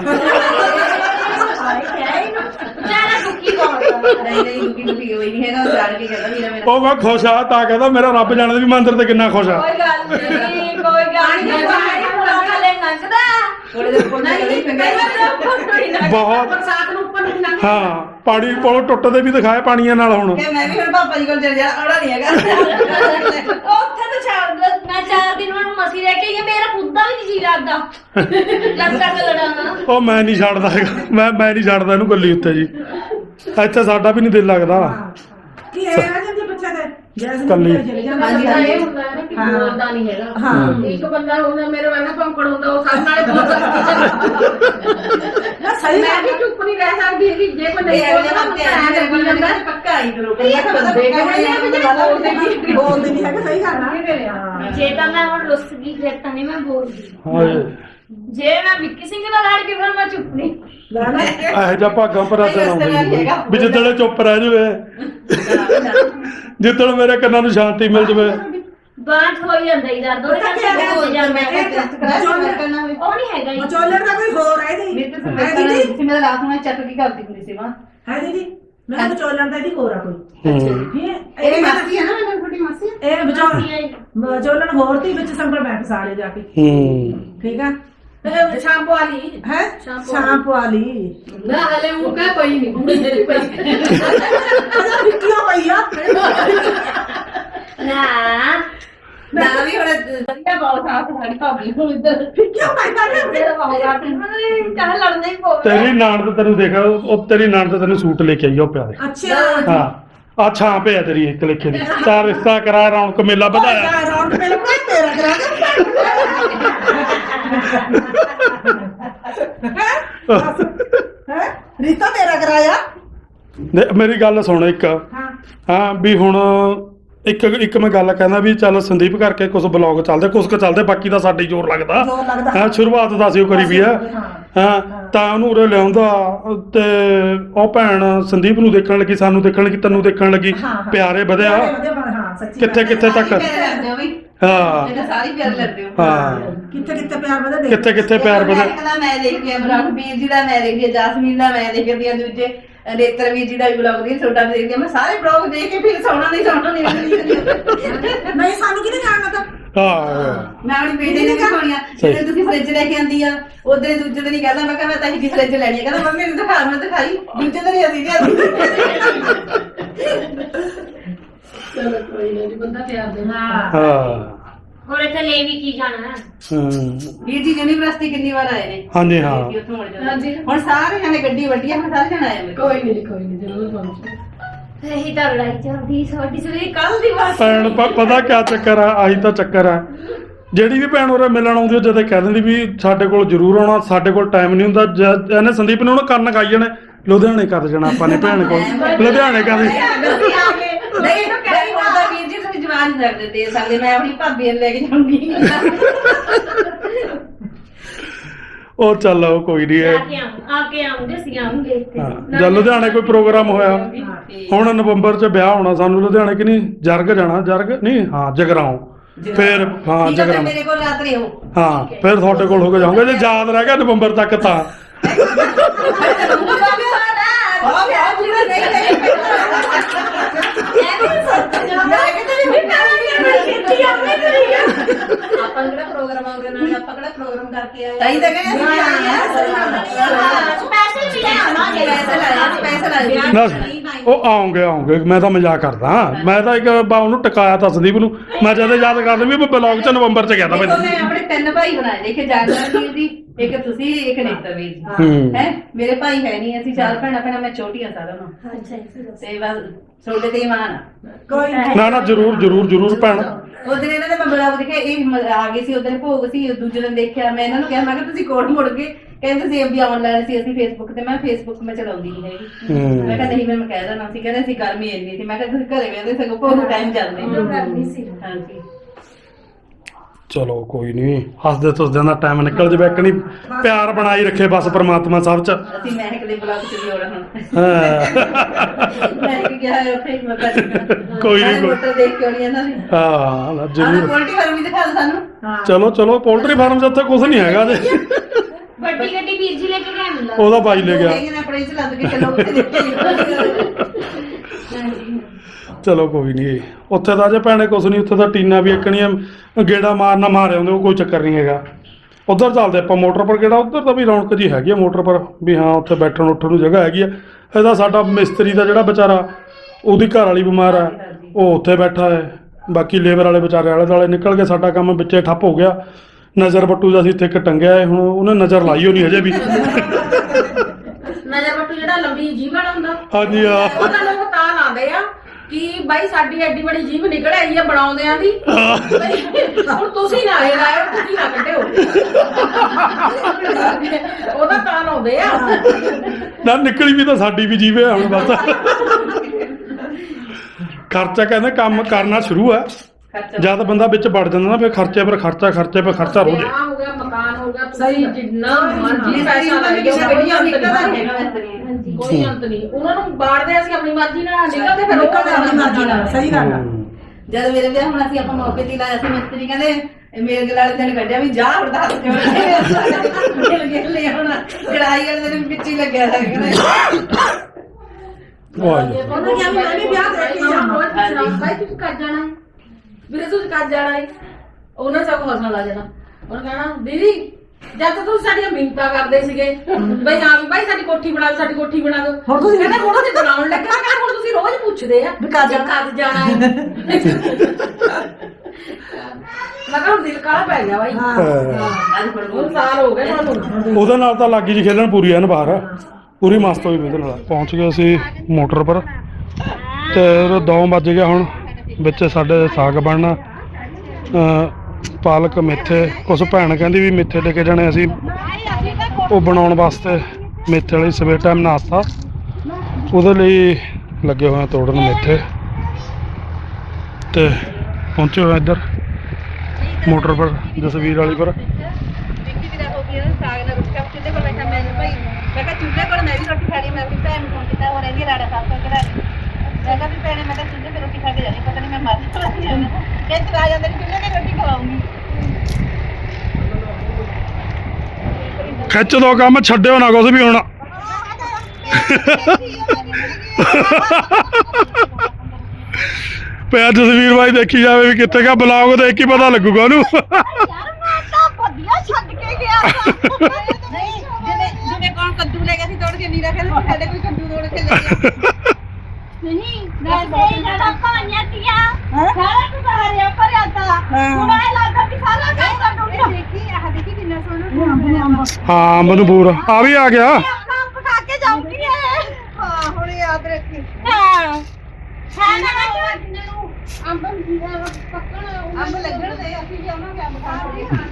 [SPEAKER 3] ਜਾਨਾ ਦੁੱਖੀ ਬਹੁਤ
[SPEAKER 6] ਨਹੀਂ ਨਹੀਂ ਦੁਖੀ ਦੁਖੀ ਹੋਈ ਨਹੀਂ ਹੈਗਾ, ਉਹ ਜਾਣ ਕੇ ਕਹਿੰਦਾ ਵੀਰਾ ਮੇਰਾ।
[SPEAKER 1] ਉਹ ਮੈਂ ਖੁਸ਼ ਆ ਤਾਂ ਕਹਿੰਦਾ ਮੇਰਾ ਰੱਬ ਜਾਣਦਾ ਵੀ ਮੰਦਰ ਤੇ ਕਿੰਨਾ ਖੁਸ਼ ਆ।
[SPEAKER 3] ਕੋਈ ਗੱਲ ਨਹੀਂ ਕੋਈ ਗੱਲ ਨਹੀਂ ਬਾਹਰ ਪੁਰਾਣਾ ਲੈ ਲੰਘਦਾ
[SPEAKER 6] ਥੋੜੇ ਦਿਨ ਕੋਲ ਨਹੀਂ ਚੰਗਾ।
[SPEAKER 1] ਬਹੁਤ
[SPEAKER 3] ਬਰਸਾਤ ਨੂੰ ਉੱਪਰ ਨੂੰ ਲੰਘ
[SPEAKER 1] ਹਾਂ ਪਾਣੀ ਕੋਲੋਂ ਟੁੱਟਦੇ ਵੀ ਦਿਖਾਏ ਪਾਣੀਆਂ ਨਾਲ ਹੁਣ।
[SPEAKER 6] ਕਿ ਮੈਂ ਵੀ ਹੁਣ ਪਾਪਾ ਜੀ ਕੋਲ ਚਲ ਜਾ, ਆਉਣਾ ਨਹੀਂ ਹੈਗਾ।
[SPEAKER 3] ਉੱਥੇ ਤਾਂ ਚਾਰ ਮੈਂ ਚਾਰ ਦਿਨ ਉਹਨੂੰ ਮਸੀ ਰਹਿ ਕੇ ਗਈ, ਮੇਰਾ ਖੁੱਦਾ ਵੀ ਨਹੀਂ ਜੀ ਲੱਗਦਾ ਲੱਗਦਾ ਕਿ ਲੜਾਣਾ।
[SPEAKER 1] ਉਹ ਮੈਂ ਨਹੀਂ ਛੱਡਦਾ ਹੈਗਾ, ਮੈਂ ਮੈਂ ਨਹੀਂ ਛੱਡਦਾ ਇਹਨੂੰ ਗੱਲੀ ਉੱਤੇ ਜੀ। ਇੱਥੇ ਸਾਡਾ ਵੀ ਨਹੀਂ ਦਿਲ ਲੱਗਦਾ।
[SPEAKER 2] ਕੀ ਇਹ ਆ ਜਾਂਦੀ ਬੱਚਾ ਤੇ ਜੈਸਮੀਨ
[SPEAKER 1] ਕੱਲੀ।
[SPEAKER 2] ਚਲੇ ਜਾਂਦਾ
[SPEAKER 4] ਹਾਂਜੀ
[SPEAKER 2] ਬੱਚਾ।
[SPEAKER 4] ਤਾਂ ਇਹ ਹੁੰਦਾ ਹੈ ਨਾ ਕਿ ਬੋਲਦਾ ਨਹੀਂ ਹੈਗਾ।
[SPEAKER 2] ਹਾਂ।
[SPEAKER 4] ਇੱਕ ਬੰਦਾ ਹੁੰਦਾ ਮੇਰੇ ਵਾਂਗਾ ਭੌਂਕੜ ਹੁੰਦਾ, ਉਹ ਸਭ ਨਾਲੇ ਬੋਲਦਾ।
[SPEAKER 2] ਨਾ ਸਹੀ
[SPEAKER 4] ਮੈਂ
[SPEAKER 2] ਗੱਲ
[SPEAKER 4] ਵੀ ਚੁੱਪ ਨਹੀਂ ਰਹਿ ਸਕਦੀ ਕਿ ਜੇ ਕੋਈ ਨਹੀਂ
[SPEAKER 6] ਇਹ
[SPEAKER 4] ਬੋਲਦਾ
[SPEAKER 6] ਵਾਲੇ
[SPEAKER 4] ਤਾਂ
[SPEAKER 6] ਵਕਤ
[SPEAKER 4] ਐਂ
[SPEAKER 6] ਆਈ
[SPEAKER 4] ਕਰ ਜਾਂਦਾ।
[SPEAKER 6] ਪੱਕਾ ਆਈ ਕਰੋ।
[SPEAKER 2] ਇਹ ਤਾਂ ਬੰਦੇ ਕਹਿੰਦੇ ਆ ਵੀ ਜਿਹੜਾ ਬੋਲਦੇ ਨਹੀਂ ਬੋਲਦੇ ਨਹੀਂ ਹੈਗੇ, ਸਹੀ ਗੱਲ ਆ।
[SPEAKER 3] ਜੇ ਤਾਂ ਮੈਂ ਹੁਣ ਰੁੱਸ ਗਈ ਫਿਰ ਤਾਂ ਨਹੀਂ ਮੈਂ ਬੋਲਦੀ।
[SPEAKER 1] ਹਾਏ
[SPEAKER 3] ਜੇ ਮੈਂ ਵਿੱਕੀ ਸਿੰਘ ਨਾਲ ਲੜ ਕੇ ਫਿਰ ਮੈਂ ਚੁੱਪ ਨਹੀਂ।
[SPEAKER 2] ਨਾ ਨਾ
[SPEAKER 1] ਇਹੋ ਜਿਹਾ ਭਾਗਾਂ ਭਰਾ ਤੇ ਨਾ ਹੋਵੇ ਵੀ ਜਿੱਦਣ ਚੁੱਪ ਰਹਿ ਜਾਵੇ, ਜਿੱਦਣ ਮੇਰੇ ਕੰਨਾਂ ਨੂੰ ਸ਼ਾਂਤੀ ਮਿਲ ਜਾਵੇ।
[SPEAKER 3] ਬਾਂਝ ਹੋ ਜਾਂਦਾ ਹੀ ਦਰਦ ਉਹਦੇ ਕਰਕੇ ਹੋ ਜਾਂਦਾ ਹੈ।
[SPEAKER 6] ਕਰਨਾ ਵੀ
[SPEAKER 3] ਉਹ ਨਹੀਂ ਹੈਗਾ ਜੀ।
[SPEAKER 2] ਵਿਚੋਲਣ ਦਾ ਕੋਈ ਹੋਰ ਹੈ
[SPEAKER 6] ਮੇਰੇ
[SPEAKER 2] ਨਹੀਂ
[SPEAKER 6] ਤੇ
[SPEAKER 2] ਹੈ ਦੀਦੀ?
[SPEAKER 6] ਸਮਝ ਮੇਰਾ ਰਾਤ ਨੂੰ ਚੱਕ ਕੀ ਕਰਦੀ ਹੁੰਦੀ ਸੀ ਮਾਂ।
[SPEAKER 2] ਹੈ ਦੀਦੀ ਮੈਂ ਵਿਚੋਲਣ ਦਾ ਇਹਦੀ ਹੋਰ ਆ ਕੋਈ।
[SPEAKER 1] ਹੂੰ
[SPEAKER 2] ਇਹ
[SPEAKER 6] ਇਹ
[SPEAKER 2] ਇਹ
[SPEAKER 6] ਮਾਸੀ ਹੈ ਨਾ, ਮੇਰੀ ਛੋਟੀ ਮਾਸੀ ਹੈ।
[SPEAKER 2] ਇਹ ਵਿਚੋਲਣ ਵਿਚੋਲਣ ਹੋਰ ਤੀ ਵਿੱਚ ਸੰਭਲ ਬੈਠ ਸਾਲੇ ਜਾ ਕੇ।
[SPEAKER 1] ਹੂੰ
[SPEAKER 2] ਠੀਕ ਆ
[SPEAKER 3] ਸ਼ਾਂਪੂ ਵਾਲੀ
[SPEAKER 2] ਹੈ ਸ਼ਾਂਪ ਵਾਲੀ
[SPEAKER 4] ਨਾ ਹਲੇ ਉਹ ਕਹ ਪਈ ਨਹੀਂ ਮੇਰੀ ਪਈ।
[SPEAKER 2] ਅਜਾ ਵਿੱਕੀਓ ਪਈ ਆ।
[SPEAKER 3] ਨਾ
[SPEAKER 6] ਨਾ ਵੀ ਹੁਣ
[SPEAKER 3] ਵਧੀਆ ਬਹੁਤ ਸਾਫ ਸਾਡੀ ਭਾਬੀ ਨੂੰ ਇੱਧਰ
[SPEAKER 2] ਵਿੱਕੀਓ ਪੈਂਦਾ ਨੇ
[SPEAKER 3] ਮੇਰਾ ਬਹੁਤ ਸਾਫ ਚਾਹ ਲੜਨਾ ਹੀ ਪਵੇ।
[SPEAKER 1] ਤੇਰੀ ਨਾਨ ਤੇ ਤੈਨੂੰ ਦੇਖ, ਉਹ ਤੇਰੀ ਨਾਨ ਤੇ ਤੈਨੂੰ ਸੂਟ ਲੈ ਕੇ ਆਈ ਆ ਉਹ ਪਿਆ ਦੇ।
[SPEAKER 2] ਅੱਛਾ
[SPEAKER 1] ਹਾਂ ਆ ਛਾਂ ਪਿਆ ਤੇਰੀ ਇੱਕ ਲੇਖੇ ਦੀ। ਤਾਂ ਰਿਸ਼ਤਾ ਕਰਾ ਰੌਣਕ ਮੇਲਾ ਵਧਾਇਆ।
[SPEAKER 2] ਰੌਣਕ ਮੇਲਾ ਮੈਂ ਤੇਰਾ ਕਰਾ ਹੈ ਰਿਸ਼ਤਾ ਤੇਰਾ ਕਰਾਇਆ।
[SPEAKER 1] ਦੇ ਮੇਰੀ ਗੱਲ ਸੁਣ ਇੱਕ
[SPEAKER 2] ਹਾਂ
[SPEAKER 1] ਹਾਂ ਵੀ ਹੁਣ ਇੱਕ ਇੱਕ ਮੈਂ ਗੱਲ ਕਹਿੰਦਾ ਵੀ ਚੱਲ ਸੰਦੀਪ ਕਰਕੇ ਕੁਝ ਬਲੌਗ ਚੱਲਦੇ ਕੁਝ ਕੁ ਚੱਲਦੇ ਬਾਕੀ ਤਾਂ ਸਾਡੇ ਹੀ ਜ਼ੋਰ ਲੱਗਦਾ
[SPEAKER 2] ਜ਼ੋਰ ਲੱਗਦਾ।
[SPEAKER 1] ਹਾਂ ਸ਼ੁਰੂਆਤ ਤਾਂ ਅਸੀਂ ਉਹ ਕਰੀ ਵੀ ਆ
[SPEAKER 2] ਹਾਂ।
[SPEAKER 1] ਹਾਂ ਤਾਂ ਉਹਨੂੰ ਉਰੇ ਲਿਆਉਂਦਾ ਤੇ ਉਹ ਭੈਣ ਸੰਦੀਪ ਨੂੰ ਦੇਖਣ ਲੱਗੀ ਸਾਨੂੰ ਦੇਖਣ ਲੱਗੀ ਤੈਨੂੰ ਦੇਖਣ ਲੱਗੀ
[SPEAKER 2] ਹਾਂ, ਹਾਂ।
[SPEAKER 1] ਪਿਆਰੇ ਵਧਿਆ
[SPEAKER 2] ਪਿਆਰੇ ਵਧੇ ਬਣ- ਹਾਂ ਸੱਚੀ
[SPEAKER 1] ਕਿੱਥੇ ਕਿੱਥੇ ਤੱਕ
[SPEAKER 6] ਪਿਆਰ ਕਰਦੇ ਹੋ ਬਈ
[SPEAKER 1] ਹਾਂ
[SPEAKER 6] ਜਿਹੜਾ ਸਾਰੀ ਪਿਆਰ ਕਰਦੇ ਹੋ
[SPEAKER 1] ਹਾਂ
[SPEAKER 2] ਕਿੱਥੇ ਕਿੱਥੇ ਪਿਆਰ ਵਧੇ ਦੇਖ
[SPEAKER 1] ਕਿੱਥੇ ਕਿੱਥੇ ਪਿਆਰ ਵਧਿਆ
[SPEAKER 6] ਇੱਕ ਦਾ ਮੈਂ ਦੇਖਦੀ ਆ ਬਲੌਗ ਵੀਰ ਜੀ ਦਾ ਮੈਂ ਦੇਖਦੀ ਆ ਜਾਸਮੀਨ ਦਾ ਮੈਂ ਦੇਖਦੀ ਆ ਦੂਜੇ ਨੇਤਰ ਵੀਰ ਜੀ ਦਾ ਵੀ ਬਲੌਗ ਦੀ ਛੋਟਾ ਵੀ ਦੇਖਦੀ ਆ ਮੈਂ ਸਾਰੇ ਬਲੌਗ ਦੇਖ ਕੇ ਫਿਰ ਸੌਣਾ ਨਹੀਂ ਸੌਣਾ ਨਹੀਂ
[SPEAKER 2] ਨਹੀਂ ਸਾਨੂੰ ਕਿਹਨੇ ਜਾਣਨਾ ਤਾਂ
[SPEAKER 1] ਹਾਂ
[SPEAKER 6] ਮੈਂ ਆਪਣੀ ਬੇਟੀ ਨੇ ਵੀ ਸੁਣੀਆਂ ਜਦੋਂ ਤੁਸੀਂ ਫ੍ਰਿਜ ਲੈ ਕੇ ਆਂਦੀ ਆ ਉਧਰ ਦੂਜੇ ਦਿਨ ਹੀ ਕਹਿੰਦਾ ਮੈਂ ਕਿਹਾ ਮੈਂ ਤਾਂ ਇਹ ਫ੍ਰਿਜ ਲੈਣੀ ਆ ਕਹਿੰਦਾ ਮੰਮੀ ਨੂੰ ਦਿਖਾ ਮੈਂ ਦਿਖਾਈ ਦੂਜੇ ਦਿਨ ਹੀ ਅਸੀਂ ਲਿਆਂਦੀ
[SPEAKER 4] ਚਲੋ ਕੋਈ ਨਾ ਜੀ ਬੰਦਾ ਪਿਆਰ ਦੇ
[SPEAKER 2] ਹਾਂ
[SPEAKER 1] ਹਾਂ
[SPEAKER 3] ਹੋਰ ਇੱਥੇ ਲੈ ਵੀ ਕੀ ਜਾਣਾ ਹੈ?
[SPEAKER 1] ਹਮ,
[SPEAKER 6] ਵੀਰ ਜੀ ਯੂਨੀਵਰਸਿਟੀ ਕਿੰਨੀ ਵਾਰ ਆਏ ਨੇ
[SPEAKER 1] ਹਾਂਜੀ ਹਾਂ
[SPEAKER 6] ਕਿ ਉੱਥੋਂ ਮੁੜ ਜਾਂਦੇ
[SPEAKER 4] ਹਾਂਜੀ।
[SPEAKER 6] ਹੁਣ ਸਾਰੇ ਜਣੇ ਗੱਡੀ ਵੱਡੀ ਆ ਹੁਣ ਸਾਰੇ ਜਣੇ ਆਏ ਮੇਰੇ ਕੋਲ
[SPEAKER 4] ਕੋਈ ਨਹੀਂ ਕੋਈ ਨਹੀਂ ਜ਼ਰੂਰ ਪਹੁੰਚੋ
[SPEAKER 3] ਇਹੀ ਤਾਂ ਲੜਾਈ ਚੱਲਦੀ ਸਾਡੀ ਸਵੇਰੇ ਕੱਲ ਦੀ ਬਾਤ
[SPEAKER 1] ਭੈਣ ਪ- ਪਤਾ ਕਿਆ ਚੱਕਰ ਆ ਆਹੀ ਤਾਂ ਚੱਕਰ ਆ ਜਿਹੜੀ ਵੀ ਭੈਣ ਉਰੇ ਮਿਲਣ ਆਉਂਦੀ ਉਹ ਜਦੋਂ ਕਹਿ ਦਿੰਦੀ ਵੀ ਸਾਡੇ ਕੋਲ ਜ਼ਰੂਰ ਆਉਣਾ ਸਾਡੇ ਕੋਲ ਟਾਈਮ ਨਹੀਂ ਹੁੰਦਾ ਜ- ਇਹਨੇ ਸੰਦੀਪ ਨੇ ਉਹਨੂੰ ਕੰਨ ਖਾਈ ਜਾਣੇ ਲੁਧਿਆਣੇ ਕਦ ਜਾਣਾ ਆਪਾਂ ਨੇ ਭੈਣ ਕੋਲ ਲੁਧਿਆਣੇ ਕਦ
[SPEAKER 6] ਨਹੀਂ ਨਹੀਂ ਹੁਣ ਤਾਂ ਵੀਰ ਜੀ ਤੁਸੀਂ ਜਵਾਨ ਨਹੀਂ ਸਕਦੇ ਦੇ ਸਕਦੇ ਮੈਂ ਆਪਣੀ ਭਾਬੀ ਨੂੰ ਲੈ ਕੇ ਜਾਊਂਗੀ
[SPEAKER 1] ਉਹ ਚੱਲ ਉਹ ਕੋਈ ਨਹੀਂ
[SPEAKER 3] ਆ
[SPEAKER 1] ਹੈ
[SPEAKER 3] ਕੇ ਆਉਂ ਆ ਕੇ ਆਉਂਗੇ ਅਸੀਂ ਆਉਂਗੇ ਇੱਥੇ
[SPEAKER 1] ਹਾਂ ਜਦ ਲੁਧਿਆਣੇ ਕੋਈ ਪ੍ਰੋਗਰਾਮ ਹੋਇਆ ਹੁਣ ਨਵੰਬਰ 'ਚ ਵਿਆਹ ਹੋਣਾ ਸਾਨੂੰ ਲੁਧਿਆਣੇ ਕਿ ਨਹੀਂ ਜਰਗ ਜਾਣਾ ਜਰਗ ਨਹੀਂ ਹਾਂ ਜਗਰਾਉਂ ਫਿਰ ਹਾਂ
[SPEAKER 6] ਠੀਕ ਹੈ
[SPEAKER 1] ਜਗਰਾਉਂ
[SPEAKER 6] ਮੇਰੇ ਕੋਲ ਰਾਤ ਰਹੋ
[SPEAKER 1] ਹਾਂ ਫਿਰ ਤੁਹਾਡੇ ਕੋਲ ਹੋ ਕੇ ਜਾਊਂਗਾ ਜੇ ਯਾਦ ਰਹਿ ਗਿਆ ਨਵੰਬਰ ਤੱਕ ਤਾਂ
[SPEAKER 6] ਹਾਂ ਵਿਆਹ ਪੂਰਾ ਨਹੀਂ ਨਹੀਂ ਆਪਾਂ ਕਿਹੜਾ ਪ੍ਰੋਗਰਾਮ ਆਉਂਦੇ ਨਾਲ ਆਪਾਂ ਕਿਹੜਾ ਪ੍ਰੋਗਰਾਮ ਕਰਕੇ ਆਏ ਤਾਈ ਤਾਂ ਕਹਿੰਦੇ
[SPEAKER 3] ਸਪੈਸ਼ਲ ਵੀ ਲੈ ਆਵਾਂਗੇ
[SPEAKER 6] ਪੈਸੇ ਲਾਏ ਪੈਸੇ ਲਾਏ
[SPEAKER 1] ਨਾ ਉਹ ਆਉਂਗੇ ਆਉਂਗੇ ਮੈਂ ਤਾਂ ਮਜ਼ਾਕ ਕਰਦਾ ਮੈਂ ਤਾਂ ਇੱਕ ਬਾ ਉਹਨੂੰ ਟਿਕਾਇਆ ਤਾਂ ਸੰਦੀਪ ਨੂੰ ਮੈਂ ਜਦ ਯਾਦ ਕਰਦਾ ਵੀ ਮੈਂ ਬਲੌਗ 'ਚ ਨਵੰਬਰ 'ਚ ਗਿਆ ਤਾਂ
[SPEAKER 6] ਦੇਖੋ
[SPEAKER 1] ਭਾਈ
[SPEAKER 6] ਮੈਂ ਆਪਣੇ ਤਿੰਨ ਭਾਈ ਬਣਾਏ ਇੱਕ ਜਾਗਰਣ ਵੀਰ ਜੀ ਇੱਕ ਤੁਸੀਂ ਇੱਕ ਨੇਤਰ ਵੀਰ ਜੀ
[SPEAKER 1] ਹੂੰ।
[SPEAKER 6] ਹੈ ਮੇਰੇ ਭਾਈ ਹੈ ਨਹੀਂ ਅਸੀਂ ਚਾਰ ਭੈਣਾਂ ਭੈਣਾਂ ਮੈਂ ਛੋਟੀ ਹਾਂ ਸਾਰਿਆਂ ਨਾਲੋਂ ਤੇ ਬਸ ਤੁਹਾਡੇ ਤੇ ਇਮਾਨ ਆ
[SPEAKER 2] ਕੋਈ ਨਹੀਂ
[SPEAKER 1] ਨਾ ਨਾ ਜਰੂਰ ਜਰੂਰ ਜਰੂਰ ਭੈਣ
[SPEAKER 6] ਉਸ ਦਿਨ ਇਹਨਾਂ ਨੇ ਮੈਂ ਬਲੌਗ ਦੇਖਿਆ ਇਹ ਮ- ਆ ਗਏ ਸੀ ਉਦੋਂ ਭੋਗ ਸੀ ਦੂਜੇ ਦਿਨ ਦੇਖਿਆ ਮੈਂ ਇਹਨਾਂ ਨੂੰ ਕਿਹਾ ਮੈਂ ਕਿਹਾ ਤੁਸੀਂ ਕੋਲ ਮੁੜ ਗਏ ਕਹਿੰਦੇ ਤੁਸੀਂ ਵੀ ਆਨਲਾਈਨ ਸੀ ਅਸੀਂ ਫੇਸਬੁੱਕ ਤੇ ਮੈਂ ਫੇਸਬੁੱਕ ਮੈਂ ਚਲਾਉਂਦੀ ਨਹੀਂ ਹੈਗੀ
[SPEAKER 1] ਹੂੰ।
[SPEAKER 6] ਮੈਂ ਕਿਹਾ ਨਹੀਂ ਮੈਂ ਕਹਿ ਦੇਣਾ ਸੀ ਕਹਿੰਦੇ ਅਸੀਂ ਗਰਮੀ ਇੰਨੀ ਸੀ ਮੈਂ ਕਿਹਾ ਤੁਸੀਂ ਘਰੇ ਵੇਂਦੇ ਸਗੋਂ ਭੋਗ ਟਾਈਮ ਚੱਲਦੇ
[SPEAKER 3] ਗਰਮੀ ਸੀ
[SPEAKER 6] ਹਾਂਜੀ
[SPEAKER 1] ਚਲੋ ਕੋਈ ਨਹੀਂ ਹੱਸਦੇ ਤੁਸਦੇ ਦਾ ਟਾਈਮ ਨਿਕਲ ਜਾਵੇ ਇੱਕ ਨਹੀਂ ਪਿਆਰ ਬਣਾਈ ਰੱਖੇ ਬਸ ਪ੍ਰਮਾਤਮਾ ਸਭ 'ਚ
[SPEAKER 6] ਅਸੀਂ ਮਹਿਕ ਦੇ ਬਲੌਗ ਚ ਵੀ ਆਉਣਾ ਹੁਣ
[SPEAKER 1] ਹਾਂ।
[SPEAKER 6] ਮੈਂ ਵੀ ਗਿਆ ਹੈ ਉੱਥੇ ਹੀ ਮੱਥਾ ਟੇਕਣ
[SPEAKER 1] ਕੋਈ ਨੀ, ਕੋਈ-
[SPEAKER 6] ਮੋਟਰ ਦੇਖ ਕੇ ਆਉਣੀ ਇਹਨਾਂ ਦੀ
[SPEAKER 1] ਹਾਂ
[SPEAKER 6] ਆਹ
[SPEAKER 1] ਜਰੂਰ
[SPEAKER 6] ਕੁਆਲਿਟੀ ਵਾਲੀ ਵੀ ਦਿਖਾ ਦਿਓ ਸਾਨੂੰ
[SPEAKER 1] ਚਲੋ ਚਲੋ ਪੋਲਟਰੀ ਫਾਰਮ 'ਚ ਉੱਥੇ ਕੁਝ ਨਹੀਂ ਹੈਗਾ ਜੇ
[SPEAKER 3] ਵੱਡੀ ਗੱਡੀ ਵੀਰ ਜੀ ਲੈ ਕੇ ਗਏ ਮਿਲਦਾ
[SPEAKER 1] ਉਹਦਾ ਬਾਈ ਲੈ ਗਿਆ
[SPEAKER 6] ਹੈਗੇ ਨੇ ਆਪਣੇ ਚ ਲੱਦ ਕੇ ਚੱਲੋ ਉੱਥੇ ਦੇਖੋ
[SPEAKER 1] ਚਲੋ ਕੋਈ ਨਹੀਂ ਉੱਥੇ ਤਾਂ ਜੇ ਭੈਣੇ ਕੁਛ ਨਹੀਂ ਉੱਥੇ ਤਾਂ ਟੀਨਾ ਵੀ ਇੱਕਣੀਆਂ ਗੇੜਾ ਮਾਰਨਾ ਮਾਰੇ ਆਉਂਦੇ ਉਹ ਕੋਈ ਚੱਕਰ ਨਹੀਂ ਹੈਗਾ ਉਧਰ ਚੱਲਦੇ ਆਪਾਂ ਮੋਟਰ ਪਰ ਗੇੜਾ ਉਧਰ ਤਾਂ ਵੀ ਰੌਣਕ ਜੀ ਹੈਗੀ ਆ ਮੋਟਰ ਪਰ ਵੀ ਹਾਂ ਉੱਥੇ ਬੈਠਣ ਉੱਠਣ ਨੂੰ ਜਗ੍ਹਾ ਹੈਗੀ ਆ ਇਹਦਾ ਸਾਡਾ ਮਿਸਤਰੀ ਦਾ ਜਿਹੜਾ ਵਿਚਾਰਾ ਉਹਦੀ ਘਰ ਵਾਲੀ ਬਿਮਾਰ ਆ ਉਹ ਉੱਥੇ ਬੈਠਾ ਹੈ ਬਾਕੀ ਲੇਬਰ ਵਾਲੇ ਵਿਚਾਰੇ ਆਲੇ ਦੁਆਲੇ ਨਿਕਲ ਕੇ ਸਾਡਾ ਕੰਮ ਵਿੱਚੇ ਠੱਪ ਹੋ ਗਿਆ ਨਜ਼ਰ ਬੱਟੂ ਦਾ ਅਸੀਂ ਇੱਥੇ ਇੱਕ ਟੰਗਿਆ ਹੈ ਹੁਣ ਉਹਨੇ ਨਜ਼ਰ ਲਾਈ ਹੋਣੀ ਹਜੇ ਵੀ
[SPEAKER 7] ਨਜ਼ਰ ਬੱਟੂ ਜਿਹੜਾ ਲੰਬੀ ਜੀਭ ਵਾਲਾ ਹੁੰਦਾ
[SPEAKER 1] ਹਾਂਜੀ ਆ
[SPEAKER 7] ਉਹ ਤਾਂ ਲੋਕ ਤਾਂ ਲਾਉਂਦੇ ਆ ਕਿ ਬਾਈ ਸਾਡੀ ਐਡੀ ਬੜੀ ਜੀਭ ਨਿਕਲ ਆਈ ਆ ਬਣਾਉਂਦਿਆਂ ਦੀ ਬਈ ਹੁਣ ਤੁਸੀਂ ਨਾ ਇਹ ਲਾਇਓ ਤੁਸੀਂ ਨਾ ਕੱਢਿਓ ਉਹਦਾ ਤਾਂ ਲਾਉਂਦੇ ਆ
[SPEAKER 1] ਨਾ ਨਿਕਲੀ ਵੀ ਤਾਂ ਸਾਡੀ ਵੀ ਜੀਵੇ ਹੁਣ ਬਸ ਖਰਚਾ ਕਹਿੰਦੇ ਕੰਮ ਕਰਨਾ ਸ਼ੁਰੂ ਹੈ ਜਦ ਬੰਦਾ ਵਿੱਚ ਵੜ ਜਾਂਦਾ ਨਾ ਫਿਰ ਖਰਚੇ ਪਰ ਖਰਚਾ ਖਰਚੇ ਪਰ ਖਰਚਾ ਰੋਜ਼
[SPEAKER 7] ਵਿਆਹ ਹੋ ਗਿਆ ਮਕਾਨ ਹੋ ਗਿਆ
[SPEAKER 2] ਸਹੀ
[SPEAKER 7] ਤੁਸੀਂ
[SPEAKER 2] ਹੈ।
[SPEAKER 7] ਜਿੰਨਾ ਮਰਜ਼ੀ ਪੈਸਾ ਲਾਈਓ ਕੋਈ ਅੰਤ ਨਹੀਂ ਕੋਈ ਅੰਤ ਨਹੀਂ ਉਹਨਾਂ ਨੂੰ ਬਾੜਦੇ ਅਸੀਂ ਆਪਣੀ ਮਰਜ਼ੀ ਨਾਲ ਨਿਕਲਦੇ ਫਿਰ ਉਹ
[SPEAKER 2] ਨਿਕਲਦੇ ਆਪਣੀ ਮਰਜ਼ੀ ਨਾਲ ਸਹੀ ਗੱਲ ਆ
[SPEAKER 6] ਜਦ ਮੇਰੇ ਵਿਆਹ ਹੁਣ ਅਸੀਂ ਆਪਾਂ ਮੌਕੇ ਤੇ ਹੀ ਲਾਇਆ ਸੀ ਮਿਸਤਰੀ ਕਹਿੰਦੇ ਮੇਰੇ ਗਲਾਲੇ ਤੇ ਕੱਢਿਆ ਵੀ ਜਾ ਹੁਣ ਦੱਸ ਜੋੜ ਮਿਲ ਗਿਆ ਲੈ ਹੁਣ ਕੜਾਈ ਵਾਲੇ ਦਿਨ ਵਿੱਚ ਹੀ ਲੱਗਿਆ ਸੀ ਕਹਿੰਦੇ
[SPEAKER 1] ਵਾਹ ਜੀ।
[SPEAKER 2] ਉਹਨੇ ਕਿਹਾ ਵੀ ਮੈਂ ਵੀ ਵਿਆਹ ਦੇਖ ਕੇ ਜਾਵਾਂ
[SPEAKER 7] ਬਾਈ ਤੁਸੀਂ ਕਰ ਜਾਣਾ ਹੈ ਵੀਰੇ ਤੁਸੀਂ ਕਰ ਜਾਣਾ ਹੈ ਉਹਨਾਂ ਸਭ ਹੱਸਣ ਲੱਗ ਜਾਣਾ ਉਹਨੇ ਕਹਿਣਾ ਦੀਦੀ ਜਦ ਤੱਕ ਤੁਸੀਂ ਸਾਡੀਆਂ ਮਿੰਨਤਾਂ ਕਰਦੇ ਸੀਗੇ ਬਈ ਹਾਂ ਵੀ ਬਾਈ ਸਾਡੀ ਕੋਠੀ ਬਣਾ ਦਿਓ ਸਾਡੀ ਕੋਠੀ ਬਣਾ ਦਿਓ
[SPEAKER 2] ਹੁਣ ਤੁਸੀਂ
[SPEAKER 7] ਕਹਿੰਦੇ ਹੁਣ ਅਸੀਂ ਬਣਾਉਣ ਲੱਗੇ ਮੈਂ ਕਹਿੰਦਾ ਹੁਣ ਤੁਸੀਂ ਰੋਜ਼ ਪੁੱਛਦੇ ਆ
[SPEAKER 2] ਵੀ ਕਦ ਜਾਣਾ?
[SPEAKER 7] ਕਦ ਜਾਣਾ ਹੈ ਮੈਂ ਕਿਹਾ ਹੁਣ ਦਿਲ ਕਾਲਾ ਪੈ ਗਿਆ ਬਾਈ
[SPEAKER 2] ਹਾਂ
[SPEAKER 6] ਅੱਜ ਫੜ
[SPEAKER 7] ਹੁਣ ਸਾਲ ਹੋ ਗਏ ਸਾਨੂੰ
[SPEAKER 1] ਉਹਦੇ ਨਾਲ ਤਾਂ ਲੱਗੀ ਜੀ ਖੇਲਣ ਪੂਰੀ ਐਨ ਬਾਹਰ ਪੂਰੀ ਮਸਤ ਹੋਈ ਵੀ ਉਹਦੇ ਨਾਲ ਪਹੁੰਚ ਗਏ ਅਸੀਂ ਮੋਟਰ ਪਰ ਤੇ ਦੋ ਵੱਜ ਗਿਆ ਹੁਣ ਵਿੱਚ ਸਾਡੇ ਸਾਗ ਬਣਨਾ ਅਹ ਪਾਲਕ ਮੇਥੇ ਕੁਛ ਭੈਣ ਕਹਿੰਦੀ ਵੀ ਮੇਥੇ ਲੈ ਕੇ ਜਾਣੇ ਅਸੀਂ ਉਹ ਬਣਾਉਣ ਵਾਸਤੇ ਮੇਥੇ ਵਾਲੀ ਸਵੇਰ ਟਾਈਮ ਨਾਸ਼ਤਾ ਉਹਦੇ ਲਈ ਲੱਗੇ ਹੋਏ ਆ ਤੋੜਨ ਮੇਥੇ ਤੇ ਪਹੁੰਚੇ ਹੋਏ ਆ ਇੱਧਰ ਮੋਟਰ ਪਰ ਜਸਵੀਰ ਵਾਲੀ ਪਰ।
[SPEAKER 6] ਵਿੱਕੀ ਵੀ ਹੋ ਗਈ ਨਾ ਸਾਗ ਨਾਲ ਰੋਟੀ ਖਾ ਚੁੱਲ੍ਹੇ ਕੋਲ ਬੈਠਾ ਮੈਂ ਭਾਈ ਮੈਂ ਕਿਹਾ ਚੁੱਲ੍ਹੇ ਕੋਲ ਮੈਂ ਵੀ ਰੋਟੀ ਖਾਣੀ ਮੈਂ ਵੀ ਭੈਣ ਨੂੰ ਫੋਨ ਕੀਤਾ ਹੋ ਰਹੀ ਰਾੜਾ ਸਾਹਿਬ ਤੋਂ ਕਰਾ ਮੈਂ ਕਿਹਾ ਵੀ ਭੈਣੇ ਮੈਂ ਤਾਂ ਚੁੱਲ੍ਹੇ ਤੇ ਰੋਟੀ ਖਾ ਕੇ ਜਾਣੀ ਪਤਾ ਨਹੀਂ ਮੈਂ ਮਰ ਜਾਵਾਂਗੀ ਕਹਿੰਦੇ ਆ ਜਾਂਦੇ ਚੁੱਲ੍ਹੇ ਤੇ ਰੋਟੀ ਖਵਾਉਂਗੀ।
[SPEAKER 1] ਖਿੱਚ ਦੋ ਕੰਮ, ਛੱਡਿਓ ਨਾ ਕੁਛ ਵੀ ਹੁਣ। ਪਿਆ ਜਸਵੀਰ ਬਾਈ ਦੇਖੀ ਜਾਵੇ ਵੀ ਕਿੱਥੇ ਗਿਆ, ਬਲੌਗ ਦੇਖ ਕੇ ਪਤਾ ਲੱਗੂਗਾ ਉਹਨੂੰ।
[SPEAKER 6] ਯਾਰ ਮੈਂ ਤਾਂ ਵਧੀਆ ਛੱਡ ਕੇ ਗਿਆ ਨਹੀਂ ਜਿਵੇਂ ਜਿਵੇਂ ਕੌਣ ਕੱਦੂ ਲੈ ਗਿਆ ਸੀ ਤੋੜ ਕੇ ਨੀਰਾ ਕਹਿੰਦੇ ਸਾਡੇ ਕੋਈ ਕੱਦੂ ਤੋੜ ਕੇ ਲੈ ਗਿਆ
[SPEAKER 3] ਨਹੀਂ ਵੈਸੇ ਹੀ ਜਿਹੜਾ ਪਾਣੀਆਂ ਤੀਆਂ ਸਾਰਾ ਕੁਝ ਆ ਰਿਹਾ ਪਰ ਆਤਾ ਹੁਣ ਇਹ ਲੱਗਦਾ ਕਿ ਸਾਰਾ ਕੰਮ ਕਰ ਦੂੰਗਾ।
[SPEAKER 6] ਦੇਖੀ ਆਹ ਦੇਖੀ ਕਿੰਨਾ ਸੋਹਣਾ
[SPEAKER 1] ਹਾਂ ਮਨਬੂਰ ਆ ਵੀ ਆ ਗਿਆ।
[SPEAKER 3] ਕੰਮ ਪਕਾ ਕੇ ਜਾਊਂਗੀ ਇਹ
[SPEAKER 6] ਹਾਂ ਹੁਣ ਯਾਦ ਰੱਖੀ
[SPEAKER 3] ਹਾਂ ਹਾਂ ਨਾ
[SPEAKER 6] ਅੰਬ ਲੱਗਣ ਦੇ ਅਸੀਂ ਵੀ ਆਵਾਂਗੇ ਅੰਬ ਖਾਣ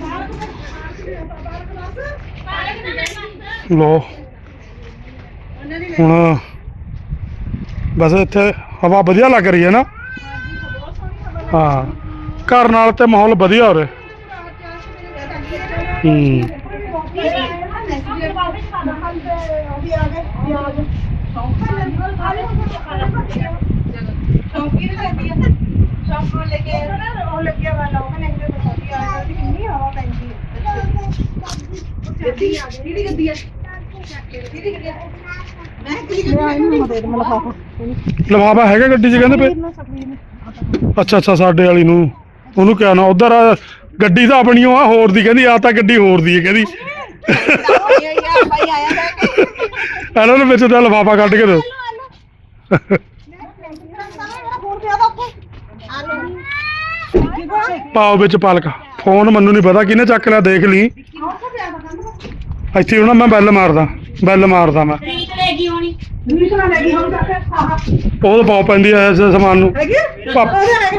[SPEAKER 1] ਲੋ ਹੁਣ ਬਸ ਇੱਥੇ ਹਵਾ ਵਧੀਆ ਲੱਗ ਰਹੀ ਹੈ ਨਾ। ਹਾਂ ਘਰ ਨਾਲ ਤੇ ਮਾਹੌਲ ਵਧੀਆ ਹੋ ਰਿਹਾ। ਹੂੰ
[SPEAKER 6] ਸ਼ੌਂਕੀ ਨਹੀਂ ਲੱਗਦੀ ਸ਼ੌਂਕ ਨੂੰ ਲੈ ਕੇ ਉਹ ਲੱਗਿਆ ਵਾਲਾ ਉਹ ਕਹਿੰਦੇ ਬਸਾਈ ਆ ਜਾਂਦੀ ਕਿੰਨੀ ਹਵਾ ਪੈਂਦੀ ਹੈ। ਗੱਡੀ ਆ ਗਈ ਕਿਹੜੀ ਗੱਡੀ ਆ ਕਿਹੜੀ ਗੱਡੀ ਆ ਮੈਂ ਕਿਹੜੀ ਗੱਡੀ ਆ
[SPEAKER 1] ਲਿਫਾਫਾ ਹੈਗਾ ਗੱਡੀ 'ਚ ਕਹਿੰਦੇ ਪਏ। ਅੱਛਾ ਅੱਛਾ ਸਾਡੇ ਵਾਲੀ ਨੂੰ ਉਹਨੂੰ ਕਿਹਾ ਨਾ ਉਧਰ ਗੱਡੀ ਤਾਂ ਆਪਣੀ ਓ ਆ ਹੋਰ ਦੀ ਕਹਿੰਦੀ ਆ ਤਾਂ ਗੱਡੀ ਹੋਰ ਦੀ ਹੈ ਕਹਿੰਦੀ।
[SPEAKER 6] ਯਾਰ ਭਾਈ ਆਇਆ ਲੈ ਕੇ
[SPEAKER 1] ਇਹਨਾਂ ਨੂੰ ਵਿੱਚ ਦਾ ਲਿਫਾਫਾ ਕੱਢ ਕੇ ਦਿਓ। ਪਾਓ ਵਿੱਚ ਪਾਲਕ। ਫੋਨ ਮੈਨੂੰ ਨਹੀਂ ਪਤਾ ਕਿਹਨੇ ਚੱਕ ਲਿਆ, ਦੇਖ ਲਈ ਇੱਥੇ ਹੁਣ ਮੈਂ ਬੈਲ ਮਾਰਦਾ ਬੈਲ ਮਾਰਦਾ ਮੈਂ।
[SPEAKER 3] ਰੀਤ ਲੈ ਗਈ ਹੋਣੀ
[SPEAKER 1] ਉਹ ਤਾਂ ਪਾਉ ਪੈਂਦੀ ਐ ਇਸ ਸਮਾਨ ਨੂੰ। ਪਾਪ-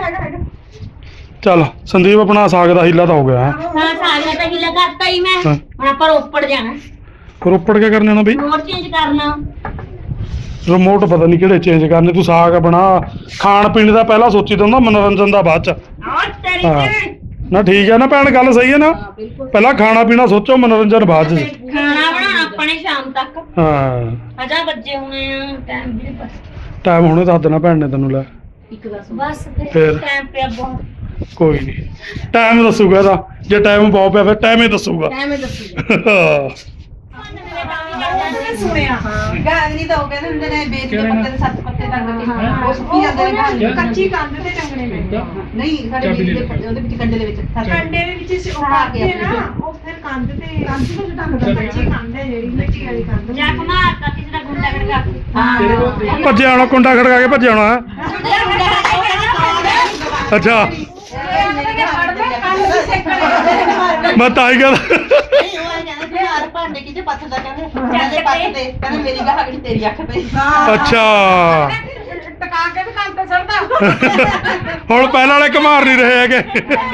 [SPEAKER 1] ਚੱਲ ਸੰਦੀਪ ਆਪਣਾ ਸਾਗ ਦਾ ਹੀਲਾ ਤਾਂ ਹੋ ਗਿਆ ਹੈ।
[SPEAKER 3] ਹਾਂ ਸਾਗਰਾ ਤਾਂ ਹਿੱਲਾ ਕਰਤਾ ਹੀ ਮੈਂ
[SPEAKER 1] ਹਾਂ।
[SPEAKER 3] ਹੁਣ ਆਪਾਂ ਰੋਪੜ ਜਾਣਾ
[SPEAKER 1] ਰੋਪੜ ਕੇ ਕਰਨੇ ਨਾ ਬਈ
[SPEAKER 3] ਹੋਰ ਚੇਂਜ ਕਰਨਾ
[SPEAKER 1] ਰਿਮੋਟ ਪਤਾ ਨਹੀਂ ਕਿਹੜੇ ਚੇਂਜ ਕਰਨੇ। ਤੂੰ ਸਾਗ ਬਣਾ, ਖਾਣ ਪੀਣ ਦਾ ਪਹਿਲਾਂ ਸੋਚੀ ਤਾਂ ਹੁੰਦਾ, ਮਨੋਰੰਜਨ ਦਾ ਬਾਅਦ ਚ।
[SPEAKER 3] ਔਰ ਤੇਰੀ
[SPEAKER 1] ਹਾਂ
[SPEAKER 3] ਤੇ
[SPEAKER 1] ਨਾ ਠੀਕ ਹੈ ਨਾ ਭੈਣ, ਗੱਲ ਸਹੀ ਹੈ ਨਾ। ਪਹਿਲਾਂ ਖਾਣਾ ਪੀਣਾ ਸੋਚੋ, ਮਨੋਰੰਜਨ ਬਾਅਦ ਚ।
[SPEAKER 3] ਖਾਣਾ ਬਣਾਉਣਾ ਆਪਾਂ ਨੇ ਸ਼ਾਮ ਤੱਕ
[SPEAKER 1] ਹਾਂ
[SPEAKER 3] ਹਜਾ ਬੱਜੇ ਹੋਣੇ ਆ ਟਾਈਮ ਵੀ ਨੀ ਪਤਾ
[SPEAKER 1] ਟਾਈਮ ਹੁਣੇ ਦੱਸ ਦੇਣਾ ਭੈਣ ਨੇ ਤੈਨੂੰ। ਲੈ
[SPEAKER 3] ਬਸ
[SPEAKER 1] ਫਿਰ?
[SPEAKER 3] ਟਾਈਮ ਪਿਆ ਬਹੁਤ
[SPEAKER 1] ਕੋਈ ਨਹੀਂ, ਟਾਈਮ ਦੱਸੂਗਾ ਇਹਦਾ। ਜੇ ਟਾਈਮ ਬਹੁਤ ਪਿਆ ਫਿਰ ਟਾਈਮ ਹੀ ਦੱਸੂਗਾ।
[SPEAKER 4] ਐਵੇਂ ਦੱਸੂਗਾ
[SPEAKER 6] ਸੁਣਿਆ ਗਾਗਰੀ ਤਾਂ ਉਹ ਕਹਿੰਦੇ ਹੁੰਦੇ ਨੇ ਬੇਰੀ ਦੇ ਪੱਤੇ ਦੇ ਸੱਤ ਪੱਤੇ ਟੰਗ ਕੇ ਉਹ ਸੁੱਕੀ ਜਾਂਦੇ ਨੇ ਗਾਗਰੀ ਕੱਚੀ ਕੰਦ ਤੇ ਟੰਗਣੇ ਪੈਂਦੇ ਨਹੀਂ ਸਾਡੇ ਬੇਰੀ ਦੇ ਪੱਤੇ ਉਹਦੇ ਵਿੱਚ ਕੰਡੇ ਦੇ ਵਿੱਚ ਕੰਡੇ ਦੇ ਵਿੱਚ ਉਹ ਪਾ ਕੇ ਨਾ ਉਹ ਫਿਰ ਕੰਦ ਤੇ ਕੰਦ ਤੇ ਟੰਗਦਾ ਕੱਚੀ ਕੰਦ ਹੈ ਜਿਹੜੀ ਮਿੱਟੀ ਵਾਲੀ ਕੰਦ
[SPEAKER 3] ਜਾ ਮਾਰਤਾ ਕਿਸੇ ਦਾ ਗੁੰਡਾ ਖੜਕਾ
[SPEAKER 6] ਹਾਂ
[SPEAKER 1] ਭੱਜਿਆ ਆਉਣਾ, ਕੁੰਡਾ ਖੜਕਾ ਕੇ ਭੱਜਿਆ ਆਉਣਾ ਹੈ। ਅੱਛਾ ਮੈਂ ਤਾਂ ਹੀ ਕਹਿੰਦਾ
[SPEAKER 6] ਨਹੀਂ ਉਹ ਕਹਿੰਦਾ ਕਿ ਯਾਰ ਭਾਂਡੇ ਕਿਤੇ ਪੱਥਦਾ ਕਹਿੰਦੇ ਕਹਿੰਦੇ ਪੱਥਦੇ ਕਹਿੰਦੇ ਮੇਰੀ ਗਾਹਕ ਨਹੀਂ ਤੇਰੀ ਅੱਖ ਪਈ
[SPEAKER 1] ਅੱਛਾ
[SPEAKER 7] ਟਕਾ ਕੇ ਵੀ ਕੰਨ ਤੇ ਚੜਦਾ
[SPEAKER 1] ਹੁਣ ਪਹਿਲਾਂ ਵਾਲੇ ਘਮਾਰ ਨਹੀਂ ਰਹੇ ਹੈਗੇ।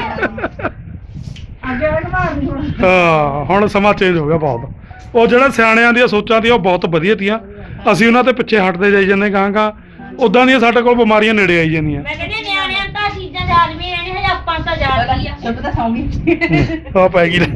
[SPEAKER 2] ਅੱਗੇ ਵਾਲੇ ਘਮਾਰ ਨਹੀਂ ਹੁਣ
[SPEAKER 1] ਹਾਂ ਹੁਣ ਸਮਾਂ ਚੇਂਜ ਹੋ ਗਿਆ ਬਹੁਤ। ਉਹ ਜਿਹੜਾ ਸਿਆਣਿਆਂ ਦੀਆਂ ਸੋਚਾਂ ਤੀ ਉਹ ਬਹੁਤ ਵਧੀਆ ਤੀਆਂ। ਅਸੀਂ ਉਹਨਾਂ ਤੇ ਪਿੱਛੇ ਹਟਦੇ ਜਾਈ ਜਾਂਦੇ ਗਾਂ ਗਾਂ। ਉਦਾਂ ਦੀਆਂ ਸਾਡੇ ਕੋਲ ਬਿਮਾਰੀਆਂ ਨੇੜੇ ਆਈ ਜਾਂਦੀਆਂ।
[SPEAKER 3] ਮੈਂ ਕਹਿੰਦੀ ਹਾਂ, ਨਿਆਣਿਆਂ ਨੂੰ ਤਾਂ ਚੀਜ਼ਾਂ ਯਾਦ ਵੀ ਰਹਿਣੀਆਂ ਹਜੇ ਆਪਾਂ ਨੂੰ ਤਾਂ ਯਾਦ ਹੀ ਆ
[SPEAKER 6] ਸਭ ਤਾਂ ਸੌਂਗੀ
[SPEAKER 1] ਆ ਪੈ ਗਈ ਲੈ।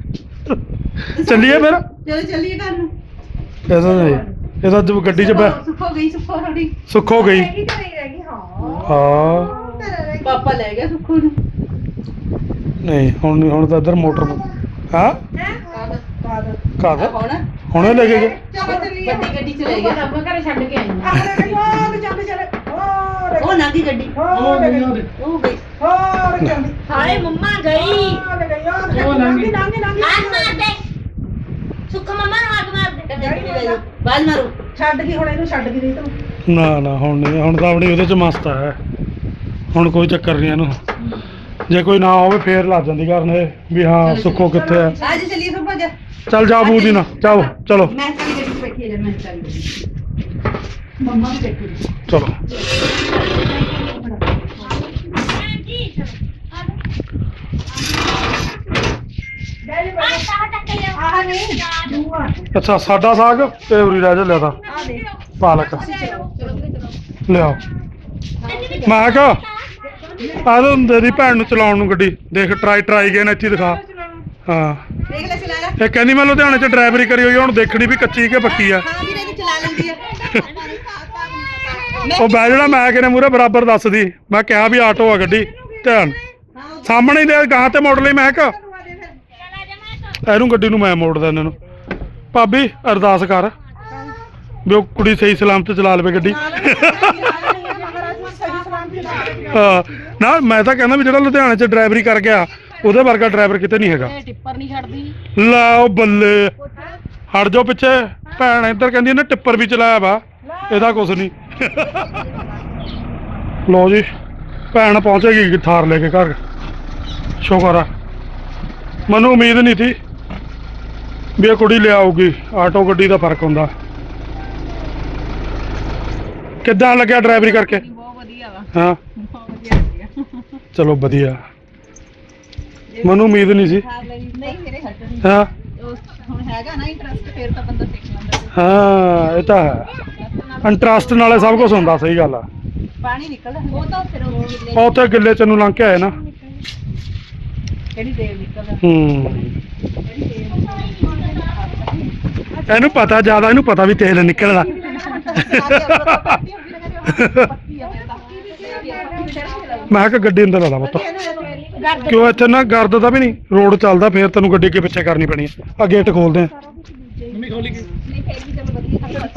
[SPEAKER 1] ਚੱਲੀਏ ਫਿਰ।
[SPEAKER 6] ਚਲੋ ਚੱਲੀਏ ਘਰ ਨੂੰ
[SPEAKER 1] ਇਹਦਾ ਨਹੀਂ ਇਹਦਾ ਜਦ ਗੱਡੀ 'ਚ ਬੈ
[SPEAKER 6] ਸੁੱਖੋ ਗਈ ਸੁੱਖੋ ਥੋੜੀ
[SPEAKER 1] ਸੁੱਖ ਹੋ ਗਈ।
[SPEAKER 6] ਰਹਿ ਗਈ ਹਾਂ
[SPEAKER 1] ਹਾਂ
[SPEAKER 6] ਪਾਪਾ ਲੈ ਗਿਆ ਸੁੱਖੋ ਨੂੰ
[SPEAKER 1] ਨਹੀਂ ਹੁਣ ਨਹੀਂ, ਹੁਣ ਤਾਂ ਇੱਧਰ ਮੋਟਰ ਹਾਂ ਕਾਹਦਾ
[SPEAKER 6] ਹੁਣ
[SPEAKER 1] ਹੁਣੇ ਲੈ ਕੇ ਗਏ।
[SPEAKER 6] ਚਲੋ ਚੱਲੀਏ ਵੱਡੀ ਗੱਡੀ ਚ ਲੈ ਗਿਆ
[SPEAKER 7] ਆਪਾਂ ਘਰੇ ਛੱਡ ਕੇ ਆਈ
[SPEAKER 2] ਹੋਰ ਚੱਲ ਚੱਲ ਹੋਰ
[SPEAKER 6] ਉਹ ਨਾਂਦੀ ਗੱਡੀ
[SPEAKER 2] ਹੋਰ ਗਈ
[SPEAKER 6] ਉਹ ਗਈ
[SPEAKER 2] ਹੋਰ ਚੱਲਦੀ
[SPEAKER 3] ਹਾਏ ਮੰਮਾ ਗਈ
[SPEAKER 2] ਹੋਰ ਗਈ ਹੋਰ ਲੰਗੀ ਲੰਗੀ ਲੰਗੀ
[SPEAKER 3] ਆਗ ਮਾਰ ਦੇ ਸੁੱਖ ਮੰਮਾ ਨੂੰ ਆਗ ਮਾਰ ਦੇ
[SPEAKER 6] ਗੱਡੀ ਲੈ ਜਾਓ ਬਾਜ ਮਾਰੋ
[SPEAKER 2] ਛੱਡ ਗਈ ਹੁਣ ਇਹਨੂੰ ਛੱਡ ਗਈ ਤੂੰ
[SPEAKER 1] ਨਾ ਨਾ ਹੁਣ ਨਹੀਂ, ਹੁਣ ਤਾਂ ਆਪਣੀ ਉਹਦੇ 'ਚ ਮਸਤ ਹੈ। ਹੁਣ ਕੋਈ ਚੱਕਰ ਨਹੀਂ ਇਹਨੂੰ। ਜੇ ਕੋਈ ਨਾ ਹੋਵੇ ਫੇਰ ਲੱਗ ਜਾਂਦੀ ਕਰਨ ਇਹ ਵੀ ਹਾਂ ਸੁੱਖੋ ਕਿੱਥੇ ਹੈ।
[SPEAKER 6] ਅੱਜ ਚੱਲੀਏ ਸੁੱਖੋ ਜਾ
[SPEAKER 1] ਚੱਲ ਜਾ ਬੂਦੀ ਨਾ ਜਾਓ ਚਲੋ
[SPEAKER 6] ਮੈਂ ਚੱਲੀ ਗੱਡੀ ਚ ਬੈਠੀ ਜਾ ਮੈਂ ਚੱਲੀ ਮੰਮਾ ਵੀ ਬੈਠੀ
[SPEAKER 1] ਚਲੋ।
[SPEAKER 2] ਆਹ ਨਹੀਂ
[SPEAKER 1] ਅੱਛਾ ਸਾਡਾ ਸਾਗ ਤੇ ਉਰੀ ਰਹਿ ਜਾ ਲਿਆ ਤਾਂ।
[SPEAKER 2] ਆ ਦੇ
[SPEAKER 1] ਪਾਲਕ ਲਿਆਓ। ਮੈਂ ਕਿਹਾ ਆ ਦੋ ਤੇਰੀ ਭੈਣ ਨੂੰ ਚਲਾਉਣ ਨੂੰ ਗੱਡੀ ਦੇਖ ਟਰਾਈ ਟਰਾਈ ਗਏ ਨੇ ਇੱਥੇ ਦਿਖਾ। ਹਾਂ
[SPEAKER 6] ਦੇਖ ਲੈ ਚਲਾ ਲੈ।
[SPEAKER 1] ਇਹ ਕਹਿੰਦੀ ਮੈਂ ਲੁਧਿਆਣੇ 'ਚ ਡਰਾਈਵਰੀ ਕਰੀ ਹੋਈ ਆ, ਹੁਣ ਦੇਖਣੀ ਵੀ ਕੱਚੀ ਕਿ ਪੱਕੀ ਆ।
[SPEAKER 6] ਹਾਂ ਵੀਰੇ ਦੀ ਚਲਾ ਲੈਂਦੀ ਆ।
[SPEAKER 1] ਉਹ ਬੈ ਜਿਹੜਾ ਮੈਂ ਕਿਨੇ ਮੂਹਰੇ ਬਰਾਬਰ ਦੱਸਦੀ, ਮੈਂ ਕਿਹਾ ਵੀ ਆਟੋ ਆ ਗੱਡੀ ਧਿਆਨ ਸਾਹਮਣੇ ਦੇ ਗਾਂ ਤੇ ਮੋੜ ਲਈ। ਮੈਂ ਕਿਹਾ ਇਹਨੂੰ ਗੱਡੀ ਨੂੰ ਮੈਂ ਮੋੜਦਾ ਇਹਨਾਂ ਨੂੰ। ਭਾਬੀ ਅਰਦਾਸ ਕਰ ਵੀ ਉਹ ਕੁੜੀ ਸਹੀ ਸਲਾਮਤ ਚਲਾ ਲਵੇ ਗੱਡੀ। ਹਾਂ ਨਾ ਮੈਂ ਤਾਂ ਕਹਿੰਦਾ ਵੀ ਜਿਹੜਾ ਲੁਧਿਆਣੇ 'ਚ ਡਰਾਈਵਰੀ ਕਰ ਗਿਆ ਉਹਦੇ ਵਰਗਾ ਡਰਾਈਵਰ ਕਿਤੇ ਨਹੀਂ ਹੈਗਾ।
[SPEAKER 7] ਟਿੱਪਰ ਨਹੀਂ ਛੱਡਦੀ।
[SPEAKER 1] ਲੈ ਉਹ ਬੱਲੇ ਹਟ ਜਾਓ ਪਿੱਛੇ। ਭੈਣ ਇੱਧਰ ਕਹਿੰਦੀ ਇਹਨੇ ਟਿੱਪਰ ਵੀ ਚਲਾਇਆ ਵਾ, ਇਹਦਾ ਕੁਛ ਨਹੀਂ। ਲਓ ਜੀ ਭੈਣ ਪਹੁੰਚੇਗੀ ਥਾਰ ਲੈ ਕੇ ਘਰ। ਸ਼ੁਕਰ ਆ, ਮੈਨੂੰ ਉਮੀਦ ਨਹੀਂ ਸੀ ਵੀ ਇਹ ਕੁੜੀ ਲਿਆਊਗੀ। ਆਟੋ ਗੱਡੀ ਦਾ ਫਰਕ ਹੁੰਦਾ। ਕਿੱਦਾਂ ਲੱਗਿਆ ਡਰਾਈਵਰੀ ਕਰਕੇ?
[SPEAKER 6] ਬਹੁਤ ਵਧੀਆ ਵਾ।
[SPEAKER 1] ਹਾਂ
[SPEAKER 6] ਬਹੁਤ ਵਧੀਆ ਲੱਗਿਆ।
[SPEAKER 1] ਚਲੋ ਵਧੀਆ, ਮੈਨੂੰ ਉਮੀਦ ਨਹੀਂ ਸੀ।
[SPEAKER 6] ਨਹੀਂ ਮੇਰੇ ਹੱਟ
[SPEAKER 1] ਹਾਂ
[SPEAKER 6] ਹੁਣ ਹੈਗਾ ਨਾ ਇੰਟਰਸਟ, ਫੇਰ ਤਾਂ ਬੰਦਾ ਸਿੱਖ ਲੈਂਦਾ।
[SPEAKER 1] ਹਾਂ ਇਹ ਤਾਂ ਹੈ, ਇੰਟਰਸਟ ਨਾਲੇ ਸਭ ਕੁਝ ਹੁੰਦਾ। ਸਹੀ ਗੱਲ ਆ।
[SPEAKER 6] ਪਾਣੀ ਨਿਕਲਦਾ ਉਹ ਤਾਂ ਫਿਰ ਉਹ ਗਿੱਲੇ
[SPEAKER 1] ਉਹ ਉੱਥੇ ਗਿੱਲੇ ਚ ਨੂੰ ਲੰਘ ਕੇ ਆਏ ਨਾ।
[SPEAKER 6] ਕਿਹੜੀ ਦੇਰ ਨਿਕਲਦਾ।
[SPEAKER 1] ਹੂੰ ਇਹਨੂੰ ਪਤਾ ਜ਼ਿਆਦਾ, ਇਹਨੂੰ ਪਤਾ ਵੀ ਤੇਲ ਨਿਕਲਦਾ। ਮੈਂ ਕਿਹਾ ਗੱਡੀ ਅੰਦਰ ਲਾ ਲਾ ਪੁੱਤ, ਕਿਉਂ ਇੱਥੇ ਨਾ ਗਰਦ ਦਾ ਵੀ ਨਹੀਂ ਰੋਡ ਚੱਲਦਾ, ਫੇਰ ਤੈਨੂੰ ਗੱਡੀ ਅੱਗੇ ਪਿੱਛੇ ਕਰਨੀ ਪੈਣੀ ਆ। ਆ ਗੇਟ ਖੋਲਦੇ ਆ।